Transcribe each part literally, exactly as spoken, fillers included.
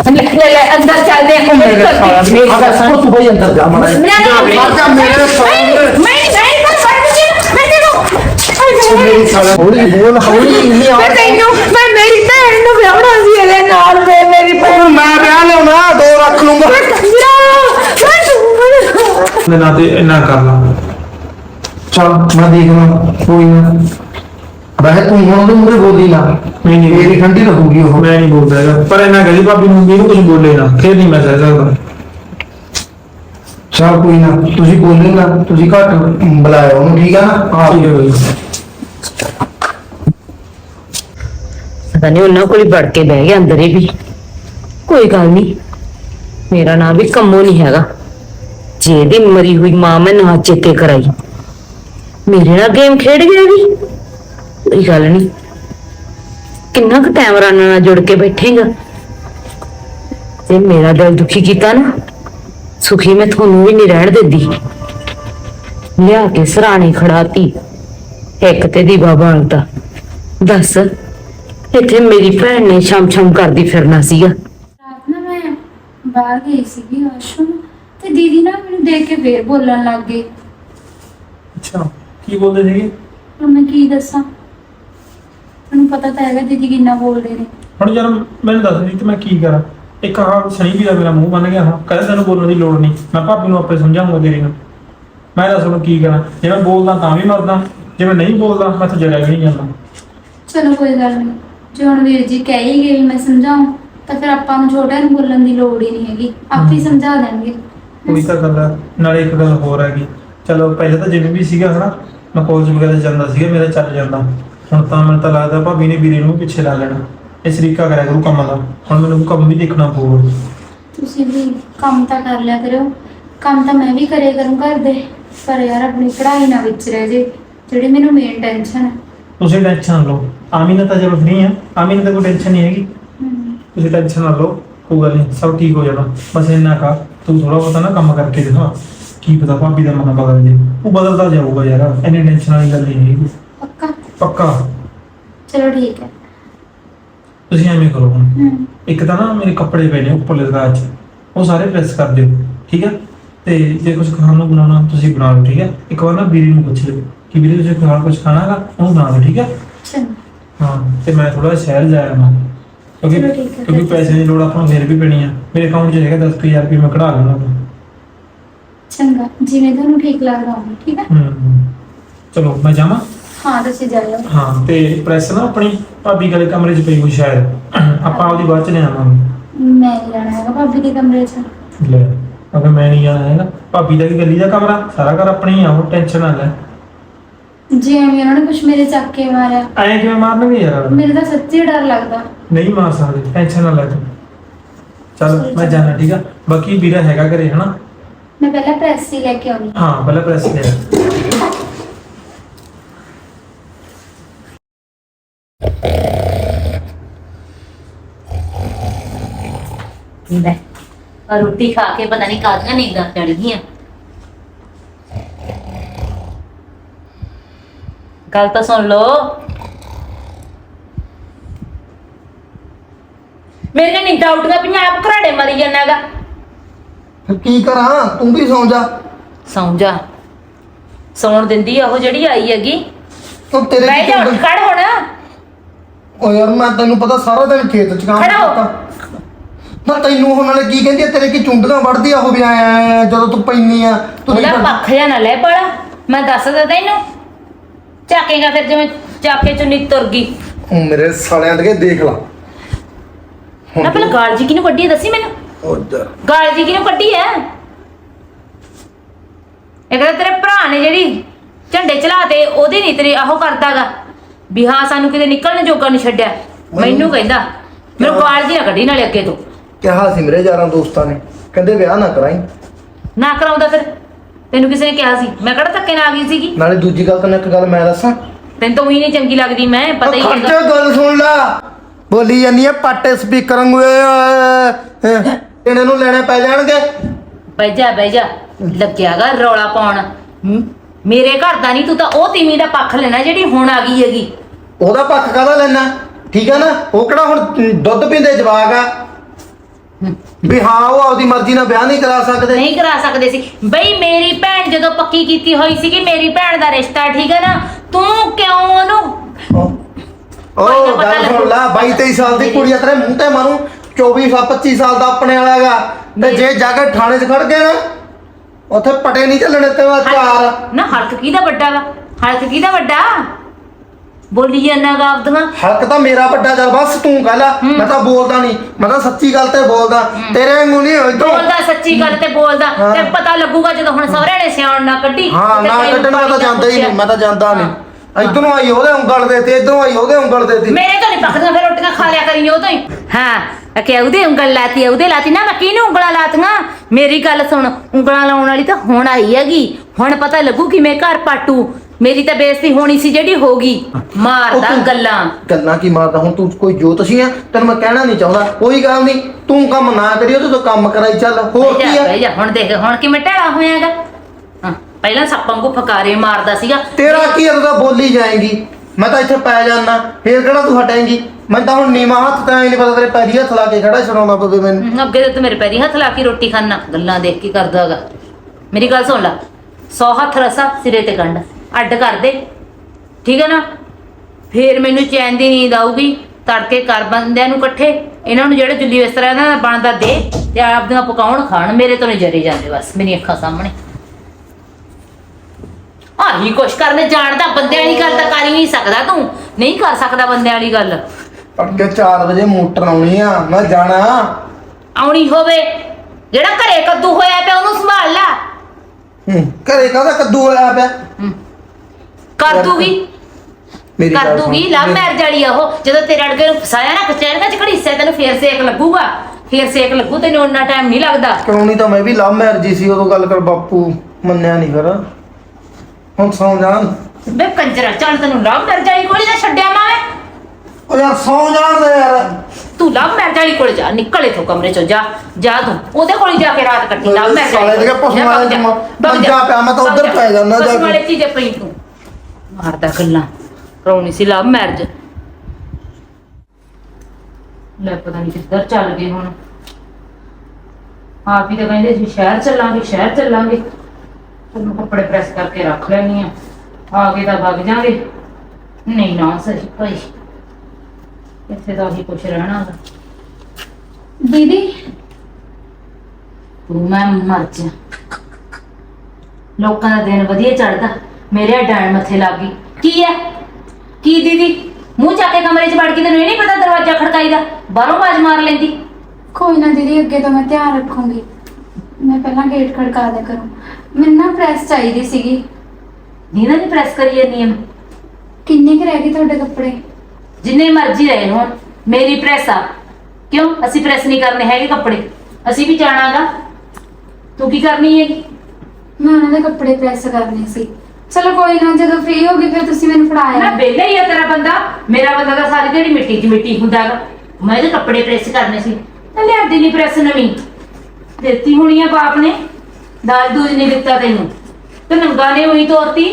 ले ले अंदर चल दे मेरे साला मेरे तू भाई अंदर जा मारा जा मेरे साला मैं नहीं कर सकती मैं तेरे मेरी साला हौली बोल हौली नहीं आ तैनू मैं मेरी भैन ਨੂੰ ਵਿਆਹਣਾ ਸੀ ਇਹਦੇ ਨਾਲ ਵੇ ਮੇਰੀ ਭੈਣ ਮੈਂ ਵਿਆਹ ਲਿਆਉਣਾ ਦੋ ਰੱਖ ਲੂੰਗਾ ਨੇ ਨਾ ਤੇ ਇੰਨਾ ਕਰ ਲਾ चल मैं देखना कोई ना वैसे तू ਹੁਣ ਉਹਦੇ ਮੂਹਰੇ ਬੋਲੀ ਨਾ ਨਹੀਂ ਨਹੀਂ ਮੇਰੀ ਠੰਡੀ ਰਹੂਗੀ ਉਹ ਮੈਂ ਨਹੀਂ ਬੋਲਦਾ ਹੈਗਾ ਪਰ ਇਹਨਾਂ ਕਹਦੀ ਭਾਬੀ ਨੂੰ ਵੀ ਕੁਝ ਬੋਲੇ ਨਾ ਫੇਰ ਨਹੀਂ ਮੈਂ ਸਹਿ ਸਕਦਾ ਚਲ ਕੋਈ ਨਾ ਤੁਸੀਂ ਬੋਲੇ ਨਾ ਤੁਸੀਂ ਘੱਟ ਬੁਲਾਇਓ ਉਹਨੂੰ ਠੀਕ ਆ ਨਾ ਹਾਂ ਠੀਕ ਹੈ ਬਾਈ ਪਤਾ ਨਹੀਂ ਉਹਨਾਂ ਕੋਲ ਹੀ ਵੜ ਕੇ ਬਹਿ ਗਿਆ ਅੰਦਰ ਹੀ ਵੀ ਕੋਈ ਗੱਲ ਨਹੀਂ ਮੇਰਾ ਨਾਂ ਵੀ ਕੰਮੋ ਨਹੀਂ ਹੈਗਾ ਜੇ ਇਹਦੀ ਮਰੀ ਹੋਈ ਮਾਂ ਮੈਨੂੰ ਅੱਜ ਚੇਤੇ ਕਰਾਈ ਮੇਰੇ ਨਾਲ ਗੇਮ ਖੇਡ ਗਿਆ ਵੀ ਕੋਈ ਗੱਲ ਨਹੀਂ ਕਿੰਨਾ ਕੁ ਟਾਈਮ ਰਾਣਾ ਨਾਲ ਜੁੜ ਕੇ ਬੈਠੇਗਾ ਤੇ ਮੇਰਾ ਦਿਲ ਦੁਖੀ ਕੀਤਾ ਨਾ ਸੁਖੀ ਮੈਂ ਤੁਹਾਨੂੰ ਵੀ ਨਹੀਂ ਰਹਿਣ ਦਿੰਦੀ ਲਿਆ ਕੇ ਸਰਾਣੇ ਖੜਾਤੀ ਇੱਕ ਤੇ ਦੀ ਬਾਬਾ ਆਲਤਾ ਦੱਸ ਇੱਥੇ ਮੇਰੀ ਭੈਣ ਨੇ ਸ਼ਮ ਸ਼ਮ ਕਰਦੀ ਫਿਰਨਾ ਸੀਗਾ ਰਾਤ ਨਾ ਮੈਂ ਬਾਹਰ ਗਈ ਸੀਗੀ ਵਾਸ਼ਰੂਮ ਤੇ ਦੀਦੀ ਨਾ ਮੈਨੂੰ ਦੇਖ ਕੇ ਫੇਰ ਬੋਲਣ ਲੱਗ ਗਏ ਅੱਛਾ ਕੀ ਬੋਲਦੇ ਸੀਗੇ ਹੁਣ ਮੈਂ ਕੀ ਦੱਸਾਂ ਤੁਹਾਨੂੰ ਪਤਾ ਤਾਂ ਹੈਗਾ ਦੀਦੀ ਕਿੰਨਾ ਬੋਲਦੇ ਨੇ ਹੁਣ ਯਾਰ ਮੈਨੂੰ ਦੱਸ ਨਹੀਂ ਤੇ ਮੈਂ ਕੀ ਕਰਾਂ ਇੱਕ ਆਹ ਸ਼ਨੀ ਵੀ ਦਾ ਮੇਰਾ ਮੂੰਹ ਬਣ ਗਿਆ ਹਾਂ ਕਹਿੰਦਾ ਤੈਨੂੰ ਬੋਲਣ ਦੀ ਲੋੜ ਨਹੀਂ ਮੈਂ ਭਾਬੀ ਨੂੰ ਆਪੇ ਸਮਝਾਉਂਗਾ ਤੇਰੀ ਨੂੰ ਮੈਂ ਦੱਸ ਹੁਣ ਕੀ ਕਰਾਂ ਜੇ ਮੈਂ ਬੋਲਦਾ ਤਾਂ ਵੀ ਮਰਦਾ ਜੇ ਮੈਂ ਨਹੀਂ ਬੋਲਦਾ ਮੈਂ ਤਾਂ ਜਰਿਆ ਵੀ ਨਹੀਂ ਜਾਂਦਾ ਚਲੋ ਕੋਈ ਗੱਲ ਨਹੀਂ ਜੇ ਹੁਣ ਵੀਰ ਜੀ ਕਹਿ ਹੀ ਗਏ ਵੀ ਮੈਂ ਸਮਝਾਉਂ ਤਾਂ ਫਿਰ ਆਪਾਂ ਨੂੰ ਛੋਟਿਆਂ ਨੂੰ ਬੋਲਣ ਦੀ ਲੋੜ ਹੀ ਨਹੀਂ ਹੈਗੀ ਆਪੇ ਹੀ ਸਮਝਾ ਦੇਣਗੇ ਕੋਈ ਤਾਂ ਗੱਲ ਆ ਨਾਲੇ ਇੱਕ ਗੱਲ ਹੋਰ ਹੈਗੀ ਚਲੋ ਪਹਿਲਾਂ ਤਾਂ ਜਿਵੇਂ ਵੀ ਸੀਗਾ ਹਨਾ ਮੈਂ ਕਾਲਜ ਵਗੈਰਾ ਜਾਂਦਾ ਸੀਗਾ ਮੇਰਾ ਚੱਲ ਜਾਂਦਾ ਹੁਣ ਤਾਂ ਮੈਨੂੰ ਤਾਂ ਲੱਗਦਾ ਭਾਬੀ ਨੇ ਵੀਰੇ ਨੂੰ ਪਿੱਛੇ ਲਾ ਲੈਣਾ ਇਹ ਸਰੀਕਾ ਕਰਿਆ ਕਰੂ ਕੰਮ ਦਾ ਹੁਣ ਮੈਨੂੰ ਕੰਮ ਵੀ ਦੇਖਣਾ ਪਊਗਾ ਤੁਸੀਂ ਵੀ ਕੰਮ ਤਾਂ ਕਰ ਲਿਆ ਕਰੋ ਕੰਮ ਤਾਂ ਮੈਂ ਵੀ ਕਰਿਆ ਕਰੂੰ ਘਰ ਦੇ ਪਰ ਯਾਰ ਆਪਣੀ ਪੜ੍ਹਾਈ ਨਾ ਵਿੱਚ ਰਹਿ ਜੇ ਜਿਹੜੀ ਮੈਨੂੰ ਮੇਨ ਟੈਨਸ਼ਨ ਹੈ ਤੁਸੀਂ ਟੈਨਸ਼ਨ ਨਾ ਲਓ ਆਮੀਨਾ ਤਾਂ ਚਲੋ ਫਰੀ ਆ ਆਮੀਨਾ ਤਾਂ ਕੋਈ ਟੈਨਸ਼ਨ ਨਹੀਂ ਹੈਗੀ ਤੁਸੀਂ ਟੈਨਸ਼ਨ ਨਾ ਲਓ ਕੋਈ ਗੱਲ ਨਹੀਂ ਸਭ ਠੀਕ ਹੋ ਜਾਣਾ ਬਸ ਇੰਨਾ ਕਾ ਤੂੰ ਥੋੜਾ ਬਹੁਤਾ ਨਾ ਕੰਮ ਕਰਕੇ ਦਿਖਾ ਕੀ ਪਤਾ ਭਾਬੀ ਦਾ ਮਨ ਬਦਲ ਜੇ ਉਹ ਬਦਲਦਾ ਜਾਊਗਾ ਯਾਰ ਇੰਨੀ ਟੈਨਸ਼ਨ ਵਾਲੀ ਗੱਲ ਨਹੀਂ ਹੈਗੀ ਪੱਕਾ ਪੱਕਾ ਚਲੋ ਠੀਕ ਹੈ ਤੁਸੀਂ ਐਵੇਂ ਕਰੋ ਹੁਣ ਹਮ ਇੱਕ ਤਾਂ ਨਾ ਮੇਰੇ ਕੱਪੜੇ ਪਏ ਨੇ ਉੱਪਰਲੇ ਦਰਾਜ 'ਚ ਉਹ ਸਾਰੇ ਪ੍ਰੈਸ ਕਰ ਦਿਓ ਠੀਕ ਹੈ ਤੇ ਜੇ ਕੁਝ ਖਾਣ ਨੂੰ ਬਣਾਉਣਾ ਤੁਸੀਂ ਬਣਾ ਲਓ ਠੀਕ ਹੈ ਇੱਕ ਵਾਰ ਨਾ ਵੀਰੇ ਨੂੰ ਪੁੱਛ ਲਿਓ ਕਿ ਵੀਰੇ ਤੁਸੀਂ ਖਾਣ ਕੁਝ ਖਾਣਾਗਾ ਉਹਨੂੰ ਬਣਾ ਲਓ ਠੀਕ ਹੈ ਚੰਗਾ ਹਾਂ ਤੇ ਮੈਂ ਥੋੜਾ ਸ਼ਹਿਰ ਜਾਇਆ ਮੈਂ ਕਿਉਂਕਿ ਚਲੋ ਠੀਕ ਹੈ, ਕਿਉਂਕਿ ਪੈਸੇ ਦੀ ਲੋੜ ਆਪਾਂ ਨੂੰ ਫਿਰ ਵੀ ਪੈਣੀ ਆ ਮੇਰੇ ਅਕਾਊਂਟ 'ਚ ਹੈਗਾ ਦਸ ਹਜ਼ਾਰ ਰੁਪਏ ਮੈਂ ਕਢਾ ਲੈਣਾ ਚੰਗਾ ਜਿਵੇਂ ਤੁਹਾਨੂੰ ਠੀਕ ਲੱਗਦਾ ਹੋਵੇ ਠੀਕ ਹੈ ਹੂੰ ਚਲੋ ਮੈਂ ਜਾਵਾਂ ਹਾਂ ਤੁਸੀਂ ਜਾਇਓ ਹਾਂ ਤੇ ਪ੍ਰੈਸ ਨਾ ਆਪਣੀ ਭਾਬੀ ਵਾਲੇ ਕਮਰੇ 'ਚ ਪਈ ਹੋਈ ਸ਼ਾਇਦ ਆਪਾਂ ਉਹਦੀ ਬਾਅਦ 'ਚ ਲੈ ਆਵਾਂਗੇ ਮੈਂ ਨਹੀਂ ਜਾਣਾ ਹੈਗਾ ਭਾਬੀ ਦੇ ਕਮਰੇ 'ਚ ਲੈ ਅਗਰ ਮੈਂ ਨਹੀਂ ਜਾਣਾ ਹੈਗਾ ਭਾਬੀ ਦਾ ਵੀ ਗੱਲੀ ਦਾ ਕਮਰਾ ਸਾਰਾ ਘਰ ਆਪਣਾ ਹੀ ਆ ਉਹ ਟੈਨਸ਼ਨ ਨਾ ਲੈ ਜੇ ਐਵੇਂ ਉਹਨਾਂ ਨੇ ਕੁਝ ਮੇਰੇ ਚੱਕ ਕੇ ਮਾਰਿਆ ਐਂ ਕਿਵੇਂ ਮਾਰਨਗੇ ਯਾਰ ਮੇਰੇ ਤਾਂ ਸੱਚੀ ਡਰ ਲੱਗਦਾ ਨਹੀਂ ਮਾਰ ਸਕਦੇ ਟੈਨਸ਼ਨ ਨਾ ਲੈ ਤੂੰ ਚੱਲ ਮੈਂ ਜਾਣਾ ਠੀਕ ਆ ਬਾਕੀ ਵੀਰਾ ਹੈਗਾ ਘਰੇ ਹਨਾ ਮੈਂ ਪਹਿਲਾਂ ਪ੍ਰੈਸ ਹੀ ਲੈ ਕੇ ਆਉਣੀ ਹਾਂ ਪਹਿਲਾਂ ਪ੍ਰੈਸ ਲੈ ਲੈ ਆ ਰੋਟੀ ਖਾ ਕੇ ਪਤਾ ਨਹੀਂ ਕਾਹਦੀਆਂ ਨੀਂਦਾਂ ਚੜ ਗਈਆਂ ਗੱਲ ਤਾਂ ਸੁਣ ਲੋ ਮੇਰੇ ਨੀਂਦਾਂ ਉੱਠੀਆਂ ਪਈਆਂ ਆਪ ਘਰਾੜੇ ਮਰੀ ਜਾਣਾਗਾ ਫਿਰ ਕੀ ਕਰਾਂ ਤੂੰ ਵੀ ਸੌਂ ਜਾ ਸੌਂ ਜਾ ਸੌਣ ਦਿੰਦੀ ਆ ਉਹ ਜਿਹੜੀ ਆਈ ਹੈਗੀ ਤੂੰ ਤੇਰੇ ਬਹਿ ਜਾ ਉੱਠ ਖੜ ਹੁਣ ਓ ਯਾਰ ਮੈਂ ਤੈਨੂੰ ਪਤਾ ਸਾਰਾ ਦਿਨ ਖੇਤ ਚ ਕੰਮ ਖੜਾ ਹੋ। ਕਰਦਾ ਨਾ ਤੈਨੂੰ ਹੁਣ ਨਾਲੇ ਕੀ ਕਹਿੰਦੀ ਆ ਤੇਰੇ ਕੀ ਚੁੰਡੀਆਂ ਵੜਦੀ ਆ ਉਹ ਵੀ ਆਇਆ ਜਦੋਂ ਤੂੰ ਪੈਣੀ ਆ ਤੂੰ ਉਹਦਾ ਪੱਖ ਜਾਂ ਨਾ ਲੈ ਬੜਾ ਮੈਂ ਦੱਸ ਦਿੰਦਾ ਤੈਨੂੰ ਝਾਕੇਗਾ ਫਿਰ ਜਿਵੇਂ ਚਾਕੇ ਚੁੰਨੀ ਤੁਰ ਗਈ ਉਹ ਮੇਰੇ ਸਾਲਿਆਂ ਦੇ ਦੇਖ ਲਾ ਨਾ ਪਹਿਲਾਂ ਗਾਲ ਜੀ ਕਿਹਨੂੰ ਕੱਢੀ ਹੈ ਦੱਸੀ ਮੈਨੂੰ ਉਧਰ ਗਾਲ ਜੀ ਕਿਹਨੂੰ ਕੱਢੀ ਹੈ ਇਹ ਕਹਿੰਦਾ ਤੇਰੇ ਭਰਾ ਨੇ ਜਿਹੜੀ ਝੰਡੇ ਚਲਾ ਤੇ ਉਹਦੀ ਨਹੀਂ ਤੇਰੀ ਆਹੋ ਕਰਦਾਗਾ ਵੀ ਹਾਂ ਸਾਨੂੰ ਕਿਤੇ ਨਿਕਲਣ ਜੋਗਾ ਨਹੀਂ ਛੱਡਿਆ ਮੈਨੂੰ ਕਹਿੰਦਾ ਮੈਨੂੰ ਗਾਲ ਜੀ ਨਾ ਕੱਢੀ ਨਾਲੇ ਅੱਗੇ ਤੋਂ ਕਿਹਾ ਸੀ ਮੇਰੇ ਯਾਰਾਂ ਦੋਸਤਾਂ ਨੇ ਕਹਿੰਦੇ ਵਿਆਹ ਨਾ ਕਰਾਈ ਨਾ ਕਰਾਉਂਦਾ ਫਿਰ ਤੈਨੂੰ ਕਿਸੇ ਨੇ ਕਿਹਾ ਸੀ ਮੈਂ ਕਿਹੜਾ ਧੱਕੇ ਨਾਲ ਆ ਗਈ ਸੀਗੀ ਨਾਲੇ ਦੂਜੀ ਗੱਲ ਤੈਨੂੰ ਇੱਕ ਗੱਲ ਮੈਂ ਦੱਸਾਂ ਤੈਨੂੰ ਤਾਂ ਉਹੀ ਨਹੀਂ ਚੰਗੀ ਲੱਗਦੀ ਮੈਂ ਪਤਾ ਹੀ ਖਰਚਾ ਹੈਗਾ ਗੱਲ ਸੁਣ ਲੈ ਬੋਲੀ ਜਾਂਦੀ ਆ ਪਾਟੇ ਸਪੀਕਰ ਵਾਂਗੂ ਇਹਨਾਂ ਨੂੰ ਲੈਣੇ ਪੈ ਜਾਣਗੇ ਬਹਿ ਜਾ ਬਹਿ ਜਾ ਲੱਗਿਆਗਾ ਰੌਲਾ ਪਾਉਣ ਹੂੰ? ਮੇਰੇ ਘਰ ਦਾ ਨਹੀਂ ਤੂੰ ਤਾਂ ਉਹ ਤੀਵੀਂ ਦਾ ਪੱਖ ਲੈਣਾ ਜਿਹੜੀ ਹੁਣ ਆ ਗਈ ਹੈਗੀ ਉਹਦਾ ਪੱਖ ਕਾਹਦਾ ਲੈਣਾ ਠੀਕ ਆ ਨਾ ਉਹ ਕਿਹੜਾ ਹੁਣ ਦੁੱਧ ਪੀਂਦੇ ਜਵਾਕ ਆ ਵੀ ਹਾਂ ਉਹ ਆਪਦੀ ਮਰਜ਼ੀ ਨਾਲ ਵਿਆਹ ਨਹੀਂ ਕਰਾ ਸਕਦੇ। ਨਹੀਂ ਕਰਾ ਸਕਦੇ ਸੀ ਬਈ। ਮੇਰੀ ਭੈਣ ਜਦੋਂ ਪੱਕੀ ਕੀਤੀ ਹੋਈ ਸੀ ਕਿ ਮੇਰੀ ਭੈਣ ਦਾ ਰਿਸ਼ਤਾ, ਠੀਕ ਹੈ ਨਾ, ਤੂੰ ਕਿਉਂ ਉਹਨੂੰ ਉਹ ਗੱਲ ਸੁਣ ਲੈ, ਬਾਈ ਤੇਈ ਸਾਲ ਦੀ ਕੁੜੀ ਆ, ਤੇਰੇ ਮੂੰਹ ਤੇ ਮਾਰੂ। ਚੌਵੀ ਸਾਲ ਪੱਚੀ ਸਾਲ ਦਾ ਆਪਣੇ ਵਾਲਾ ਹੈਗਾ, ਤੇ ਜੇ ਜਾ ਕੇ ਥਾਣੇ 'ਚ ਖੜ ਗਏ ਨਾ, ਉੱਥੇ ਪਟੇ ਨਹੀਂ ਚੱਲਣੇ ਤੇ ਚਾਰ ਨਾ। ਹਲਕ ਕਿਹਦਾ ਵੱਡਾ ਵਾ? ਹਲਕ ਕਿਹਦਾ ਵੱਡਾ? ਬੋਲੀ ਜਾਂਦਾ ਗਾਵਦਵਾ। ਹਲਕ ਤਾਂ ਮੇਰਾ ਵੱਡਾ, ਚੱਲ ਬਸ ਤੂੰ ਕਹਿ ਲੈ, ਮੈਂ ਤਾਂ ਬੋਲਦਾ ਨਹੀਂ, ਮੈਂ ਤਾਂ ਸੱਚੀ ਗੱਲ ਤੇ ਬੋਲਦਾ। ਤੇਰੇ ਵਾਂਗੂ ਨਹੀਂ ਇਧਰੋਂ ਬੋਲਦਾ, ਸੱਚੀ ਗੱਲ ਤੇ ਬੋਲਦਾ। ਤੇ ਪਤਾ ਲੱਗੂਗਾ ਜਦੋਂ ਹੁਣ ਸਹੁਰਿਆਂ ਨੇ ਸਿਆਣ ਨਾ ਕੱਢੀ। ਹਾਂ ਨਾ ਕੱਢਣ, ਮੈਂ ਤਾਂ ਜਾਂਦਾ ਹੀ ਨਹੀਂ, ਮੈਂ ਤਾਂ ਜਾਂਦਾ ਨਹੀਂ। ਇਧਰੋਂ ਆਈ ਉਹਦੇ ਉਂਗਲ ਦੇ ਤੇ, ਇਧਰੋਂ ਆਈ ਉਹਦੇ ਉਂਗਲ ਦੇ ਤੇ। ਮੇਰੇ ਤੋਂ ਨਹੀਂ ਪੱਕਦੀਆਂ, ਫਿਰ ਰੋਟੀਆਂ ਖਾ ਲਿਆ ਕਰੀ ਉਹ ਤੋਂ ਹੀ। ਹਾਂ ਕਿ ਉਹਦੇ ਉਂਗਲ ਲਾਤੀ, ਉਹਦੇ ਲਾਤੀ ਨਾ। ਮੈਂ ਕਿਹਨੂੰ ਉਂਗਲਾਂ ਲਾਤੀਆਂ? ਮੇਰੀ ਗੱਲ ਸੁਣ, ਉਂਗਲਾਂ ਲਾਉਣ ਵਾਲੀ ਤਾਂ ਹੁਣ ਆਈ ਹੈਗੀ। ਹੁਣ ਪਤਾ ਲੱਗੂ ਕਿ ਮੈਂ ਘਰ ਪਾਟੂ। ਮੇਰੀ ਤਾਂ ਬੇਇੱਜ਼ਤੀ ਹੋਣੀ ਸੀ ਜਿਹੜੀ ਹੋ ਗਈ। ਮਾਰਦਾ ਗੱਲਾਂ ਗੱਲਾਂ ਕੀ ਮਾਰਦਾ? ਹੁਣ ਤੂੰ ਕੋਈ ਜੋਤਸ਼ੀ ਆ, ਤੈਨੂੰ ਮੈਂ ਕਹਿਣਾ ਨਹੀਂ ਚਾਹੁੰਦਾ, ਕੋਈ ਗੱਲ ਨਹੀਂ, ਤੂੰ ਕੰਮ ਨਾ ਕਰੀ, ਉਹਦੇ ਤੋਂ ਕੰਮ ਕਰਾਈ ਚੱਲ। ਹੋਰ ਕੀ ਆ? ਜਾ ਹੁਣ ਦੇਖ ਹੁਣ ਕਿਵੇਂ ਢੇਲਾ ਹੋਇਆਗਾ। ਹਾਂ ਪਹਿਲਾਂ ਸੱਪਾਂ ਨੂੰ ਫਕਾਰੇ ਮਾਰਦਾ ਸੀਗਾ। ਤੇਰਾ ਕੀ ਅਦਾ ਬੋਲੀ ਜਾਏਗੀ? ਮੈਂ ਤਾਂ ਇੱਥੇ ਪੈ ਜਾਣਾ, ਫੇਰ ਕਿਹੜਾ ਤੂੰ ਹਟੇਂਗੀ? ਮੈਂ ਤਾਂ ਹੁਣ ਨੀਵਾਂ ਹੱਥ ਤਾਂ ਨਹੀਂ ਪਤਾ, ਤੇਰੇ ਪੈਰੀ ਹੱਥ ਲਾ ਕੇ ਖੜਾ ਛਡਾਉਣਾ ਪਵੇ ਮੈਨੂੰ। ਅੱਗੇ ਤੇ ਤੂੰ ਮੇਰੇ ਪੈਰੀ ਹੱਥ ਲਾ ਕੇ ਰੋਟੀ ਖਾਣਾ, ਗੱਲਾਂ ਦੇਖ ਕੇ ਕਰਦਾਗਾ। ਮੇਰੀ ਗੱਲ ਸੁਣ ਲੈ, ਸੌ ਹੱਥ ਰਸਾ ਸਿਰੇ ਤੇ ਕੰਡ ਅੱਡ ਕਰ ਦੇ, ਠੀਕ ਹੈ ਨਾ? ਫੇਰ ਮੈਨੂੰ ਚੈਨ ਦੀ ਨੀਂਦ ਆਊਗੀ। ਤੜਕੇ ਕਰ ਬੰਦਿਆਂ ਨੂੰ ਇਕੱਠੇ, ਇਹਨਾਂ ਨੂੰ ਜਿਹੜੇ ਜੁੱਲੀ ਬਿਸਤਰਾ ਇਹਨਾਂ ਦਾ ਬਣਦਾ ਦੇ, ਤੇ ਆਪਦੀਆਂ ਪਕਾਉਣ ਖਾਣ। ਮੇਰੇ ਤੋਂ ਨਹੀਂ ਜਰੇ ਜਾਂਦੇ ਬਸ ਮੇਰੀ ਅੱਖਾਂ ਸਾਹਮਣੇ। ਆਹੀ ਕੁਛ ਕਰਨੇ ਜਾਣਦਾ। ਬੰਦਿਆਂ ਵਾਲੀ ਗੱਲ ਤਾਂ ਕਰ ਹੀ ਨਹੀਂ ਸਕਦਾ ਤੂੰ, ਨਹੀਂ ਕਰ ਸਕਦਾ ਬੰਦਿਆਂ ਵਾਲੀ ਗੱਲ। ਅੱਗੇ ਚਾਰ ਵਜੇ ਮੋਟਰ ਆਉਣੀ ਆ, ਮੈਂ ਜਾਣਾ। ਆਉਣੀ ਹੋਵੇ, ਜਿਹੜਾ ਘਰੇ ਕੱਦੂ ਹੋਇਆ ਪਿਆ ਉਹਨੂੰ ਸੰਭਾਲ ਲੈ। ਹੂੰ ਘਰੇ ਕਾਹਦਾ ਕੱਦੂ ਹੋਇਆ ਪਿਆ? ਕਰ ਦੂਗੀ, ਮੇਰੀ ਕਰ ਗੱਲ ਦੂਗੀ। ਸੁਣ। ਲਵ ਮੈਰਿਜ ਵਾਲੀ ਆ ਉਹ। ਜਦੋਂ ਤੇਰੇ ਅੜਗੇ ਨੂੰ ਫਸਾਇਆ ਨਾ ਕਚਹਿਰੀਆਂ ਚ ਘੜੀਸਿਆ, ਤੈਨੂੰ ਫੇਰ ਸੇਕ ਲੱਗੂਗਾ। ਫੇਰ ਸੇਕ ਲੱਗੂ, ਤੈਨੂੰ ਉਹਨਾਂ ਟਾਈਮ ਨਹੀਂ ਲੱਗਦਾ। ਕਰਾਉਣੀ ਤਾਂ ਮੈਂ ਵੀ ਲਵ ਮੈਰਿਜ ਸੀ ਉਦੋਂ। ਗੱਲ ਕਰ, ਬਾਪੂ ਮੰਨਿਆ ਨਹੀਂ ਫਿਰ। ਹੁਣ ਸੌਂ ਜਾਣ ਬੇ ਕੰਜਰਾ, ਚੱਲ ਤੈਨੂੰ ਲਵ ਮੈਰਿਜ ਵਾਲੀ ਕੋਲ ਨਾ ਛੱਡਿਆ ਮੈਂ। ਉਹ ਯਾਰ ਸੌਂ ਜਾਣ ਦੇ ਯਾਰ। ਤੂੰ ਲਵ ਮੈਰਿਜ ਵਾਲੀ ਕੋਲ ਜਾ, ਨਿਕਲ ਇਥੋਂ ਕਮਰੇ ਚੋਂ ਜਾ। ਜਾ ਤੂੰ ਉਹਦੇ ਕੋਲ ਹੀ ਜਾ ਕੇ ਰਾਤ ਕੱਟੀ। ਲਵ ਮੈਰਿਜ ਸਾਲੇ ਦੇ ਪਸ਼ੂ ਵਾਲੇ ਚ ਮੰਜਾ ਪਿਆ, ਮੈਂ ਤਾਂ ਉੱਧਰ ਪੈ ਜਾਂਦਾ ਜਾ ਪਸ਼ੂ ਕੇ। ਵਾਲੇ ਚੀਜ਼ੇ ਪਈ ਤੂੰ ਮਾਰਦਾ ਗੱਲਾਂ। ਕਰਾਉਣੀ ਸੀ ਲਵ ਮੈਰਿਜ। ਲੈ ਪਤਾ ਨਹੀਂ ਕਿੱਧਰ ਚੱਲ ਗਏ ਹੁਣ। ਆਪ ਹੀ ਤਾਂ ਕਹਿੰਦੇ ਸੀ ਸ਼ਹਿਰ ਚੱਲਾਂਗੇ, ਸ਼ਹਿਰ ਚੱਲਾਂਗੇ। ਤੈਨੂੰ ਕੱਪੜੇ ਪ੍ਰੈਸ ਕਰਕੇ ਰੱਖ ਲੈਣੀ ਆ, ਆ ਕੇ ਤਾਂ ਵਗ ਜਾਾਂਗੇ। ਨਹੀਂ ਨਾ ਸਹੀ ਭਾਈ, ਇੱਥੇ ਤਾਂ ਹੀ ਕੁਛ ਰਹਿਣਾ ਗਾ। ਦੀਦੀ ਤੂੰ ਮੈਂ ਮਰ ਜਾ। ਲੋਕਾਂ ਦਾ ਦਿਨ ਵਧੀਆ ਚੜਦਾ, ਮੇਰੇ ਡਾਣ ਮੱਥੇ ਲੱਗ ਗਈ। ਕੀ ਹੈ ਕੀ ਦੀਦੀ? ਮੂੰਹ ਚੱਕ ਕੇ ਕਮਰੇ 'ਚ ਵੜ ਕੇ ਤੈਨੂੰ ਇਹ ਨਹੀਂ ਪਤਾ ਦਰਵਾਜ਼ਾ ਖੜਕਾਈਦਾ? ਬਾਹਰੋਂ ਆਵਾਜ਼ ਮਾਰ ਲੈਂਦੀ। ਕੋਈ ਨਾ ਦੀਦੀ, ਅੱਗੇ ਤੋਂ ਮੈਂ ਧਿਆਨ ਰੱਖੂੰਗੀ। ਮੈਂ ਪਹਿਲਾਂ ਗੇਟ ਖੜਕਾ ਦਿਆ ਕਰੂੰ। ਮੈਨੂੰ ਨਾ ਪ੍ਰੈਸ ਚਾਹੀਦੀ ਸੀਗੀ। ਨੀਨਾ ਦੀ ਪ੍ਰੈਸ ਕਰੀ ਜਾਂਦੀ ਆ। ਕਿੰਨੇ ਕੁ ਰਹਿ ਗਏ ਤੁਹਾਡੇ ਕੱਪੜੇ? ਜਿੰਨੇ ਮਰਜ਼ੀ ਰਹੇ ਹੋਣ, ਮੇਰੀ ਪ੍ਰੈਸ ਆ। ਕਿਉਂ ਅਸੀਂ ਪ੍ਰੈਸ ਨਹੀਂ ਕਰਨੇ ਹੈਗੇ ਕੱਪੜੇ? ਅਸੀਂ ਵੀ ਜਾਣਾਗਾ। ਤੂੰ ਕੀ ਕਰਨੀ ਹੈਗੀ? ਮੈਂ ਉਹਨਾਂ ਦੇ ਕੱਪੜੇ ਪ੍ਰੈਸ ਕਰਨੇ ਸੀ। ਚਲੋ ਕੋਈ ਨਾ, ਜਦੋਂ ਫ੍ਰੀ ਹੋ ਗਈ ਫਿਰ ਤੁਸੀਂ ਮੈਨੂੰ ਨਾ ਫੜਾਇਆ। ਵਿਹਲਾ ਹੀ ਆ ਤੇਰਾ ਬੰਦਾ। ਮੇਰਾ ਬੰਦਾ ਤਾਂ ਸਾਰੀ ਦਿਹਾੜੀ ਮਿੱਟੀ 'ਚ ਮਿੱਟੀ ਹੁੰਦਾ ਗਾ। ਮੈਂ ਇਹਦੇ ਕੱਪੜੇ ਪ੍ਰੈਸ ਕਰਨੇ ਸੀ ਤਾਂ ਲਿਆਂਦੀ ਨਹੀਂ ਪ੍ਰੈਸ। ਨਵੀਂ ਦਿੱਤੀ ਹੋਣੀ ਆ ਬਾਪ ਨੇ, ਦਾਜ ਦੂਜ ਨਹੀਂ ਦਿੱਤਾ ਤੈਨੂੰ, ਤੇ ਨੰਗਾ ਨੇ ਉਹੀ ਤੋਰਤੀ।